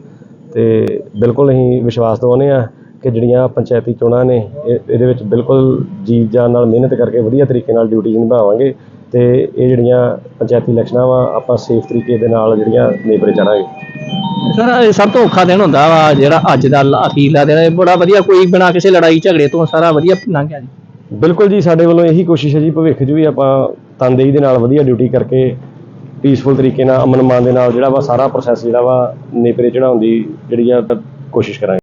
Speaker 4: ਤੇ ਬਿਲਕੁਲ ਅਸੀਂ ਵਿਸ਼ਵਾਸ ਦਿਵਾਉਂਦੇ ਹਾਂ ਕਿ ਜਿਹੜੀਆਂ ਪੰਚਾਇਤੀ ਚੋਣਾਂ ਨੇ ਇਹ ਇਹਦੇ ਵਿੱਚ ਬਿਲਕੁਲ ਜੀ ਜਾਨ ਨਾਲ ਮਿਹਨਤ ਕਰਕੇ ਵਧੀਆ ਤਰੀਕੇ ਨਾਲ ਡਿਊਟੀ ਨਿਭਾਵਾਂਗੇ ਤੇ ਇਹ ਜਿਹੜੀਆਂ ਪੰਚਾਇਤੀ ਇਲੈਕਸ਼ਨਾਂ ਵਾ ਆਪਾਂ ਸੇਫ ਤਰੀਕੇ ਦੇ ਨਾਲ ਜਿਹੜੀਆਂ ਨੇਪਰੇ ਚਾੜਾਂਗੇ।
Speaker 6: ਸਰ, ਸਭ ਤੋਂ ਔਖਾ ਦਿਨ ਹੁੰਦਾ ਵਾ ਜਿਹੜਾ ਅੱਜ ਦਾ ਅਖੀਰਲਾ ਦਿਨ, ਬੜਾ ਵਧੀਆ, ਕੋਈ ਬਿਨਾਂ ਕਿਸੇ ਲੜਾਈ ਝਗੜੇ ਤੋਂ ਸਾਰਾ ਵਧੀਆ ਲੰਘ ਗਿਆ ਜੀ।
Speaker 4: ਬਿਲਕੁਲ ਜੀ, ਸਾਡੇ ਵੱਲੋਂ ਇਹੀ ਕੋਸ਼ਿਸ਼ ਹੈ ਜੀ, ਭਵਿੱਖ 'ਚ ਵੀ ਆਪਾਂ ਤਨਦੇਹੀ ਦੇ ਨਾਲ ਵਧੀਆ ਡਿਊਟੀ ਕਰਕੇ ਪੀਸਫੁਲ ਤਰੀਕੇ ਨਾਲ, ਅਮਨ ਮਾਨ ਦੇ ਨਾਲ ਜਿਹੜਾ ਵਾ ਸਾਰਾ ਪ੍ਰੋਸੈਸ ਜਿਹੜਾ ਵਾ ਨੇਪਰੇ ਚੜਾਉਣ ਦੀ ਜਿਹੜੀ ਆ ਕੋਸ਼ਿਸ਼ ਕਰਾਂਗੇ।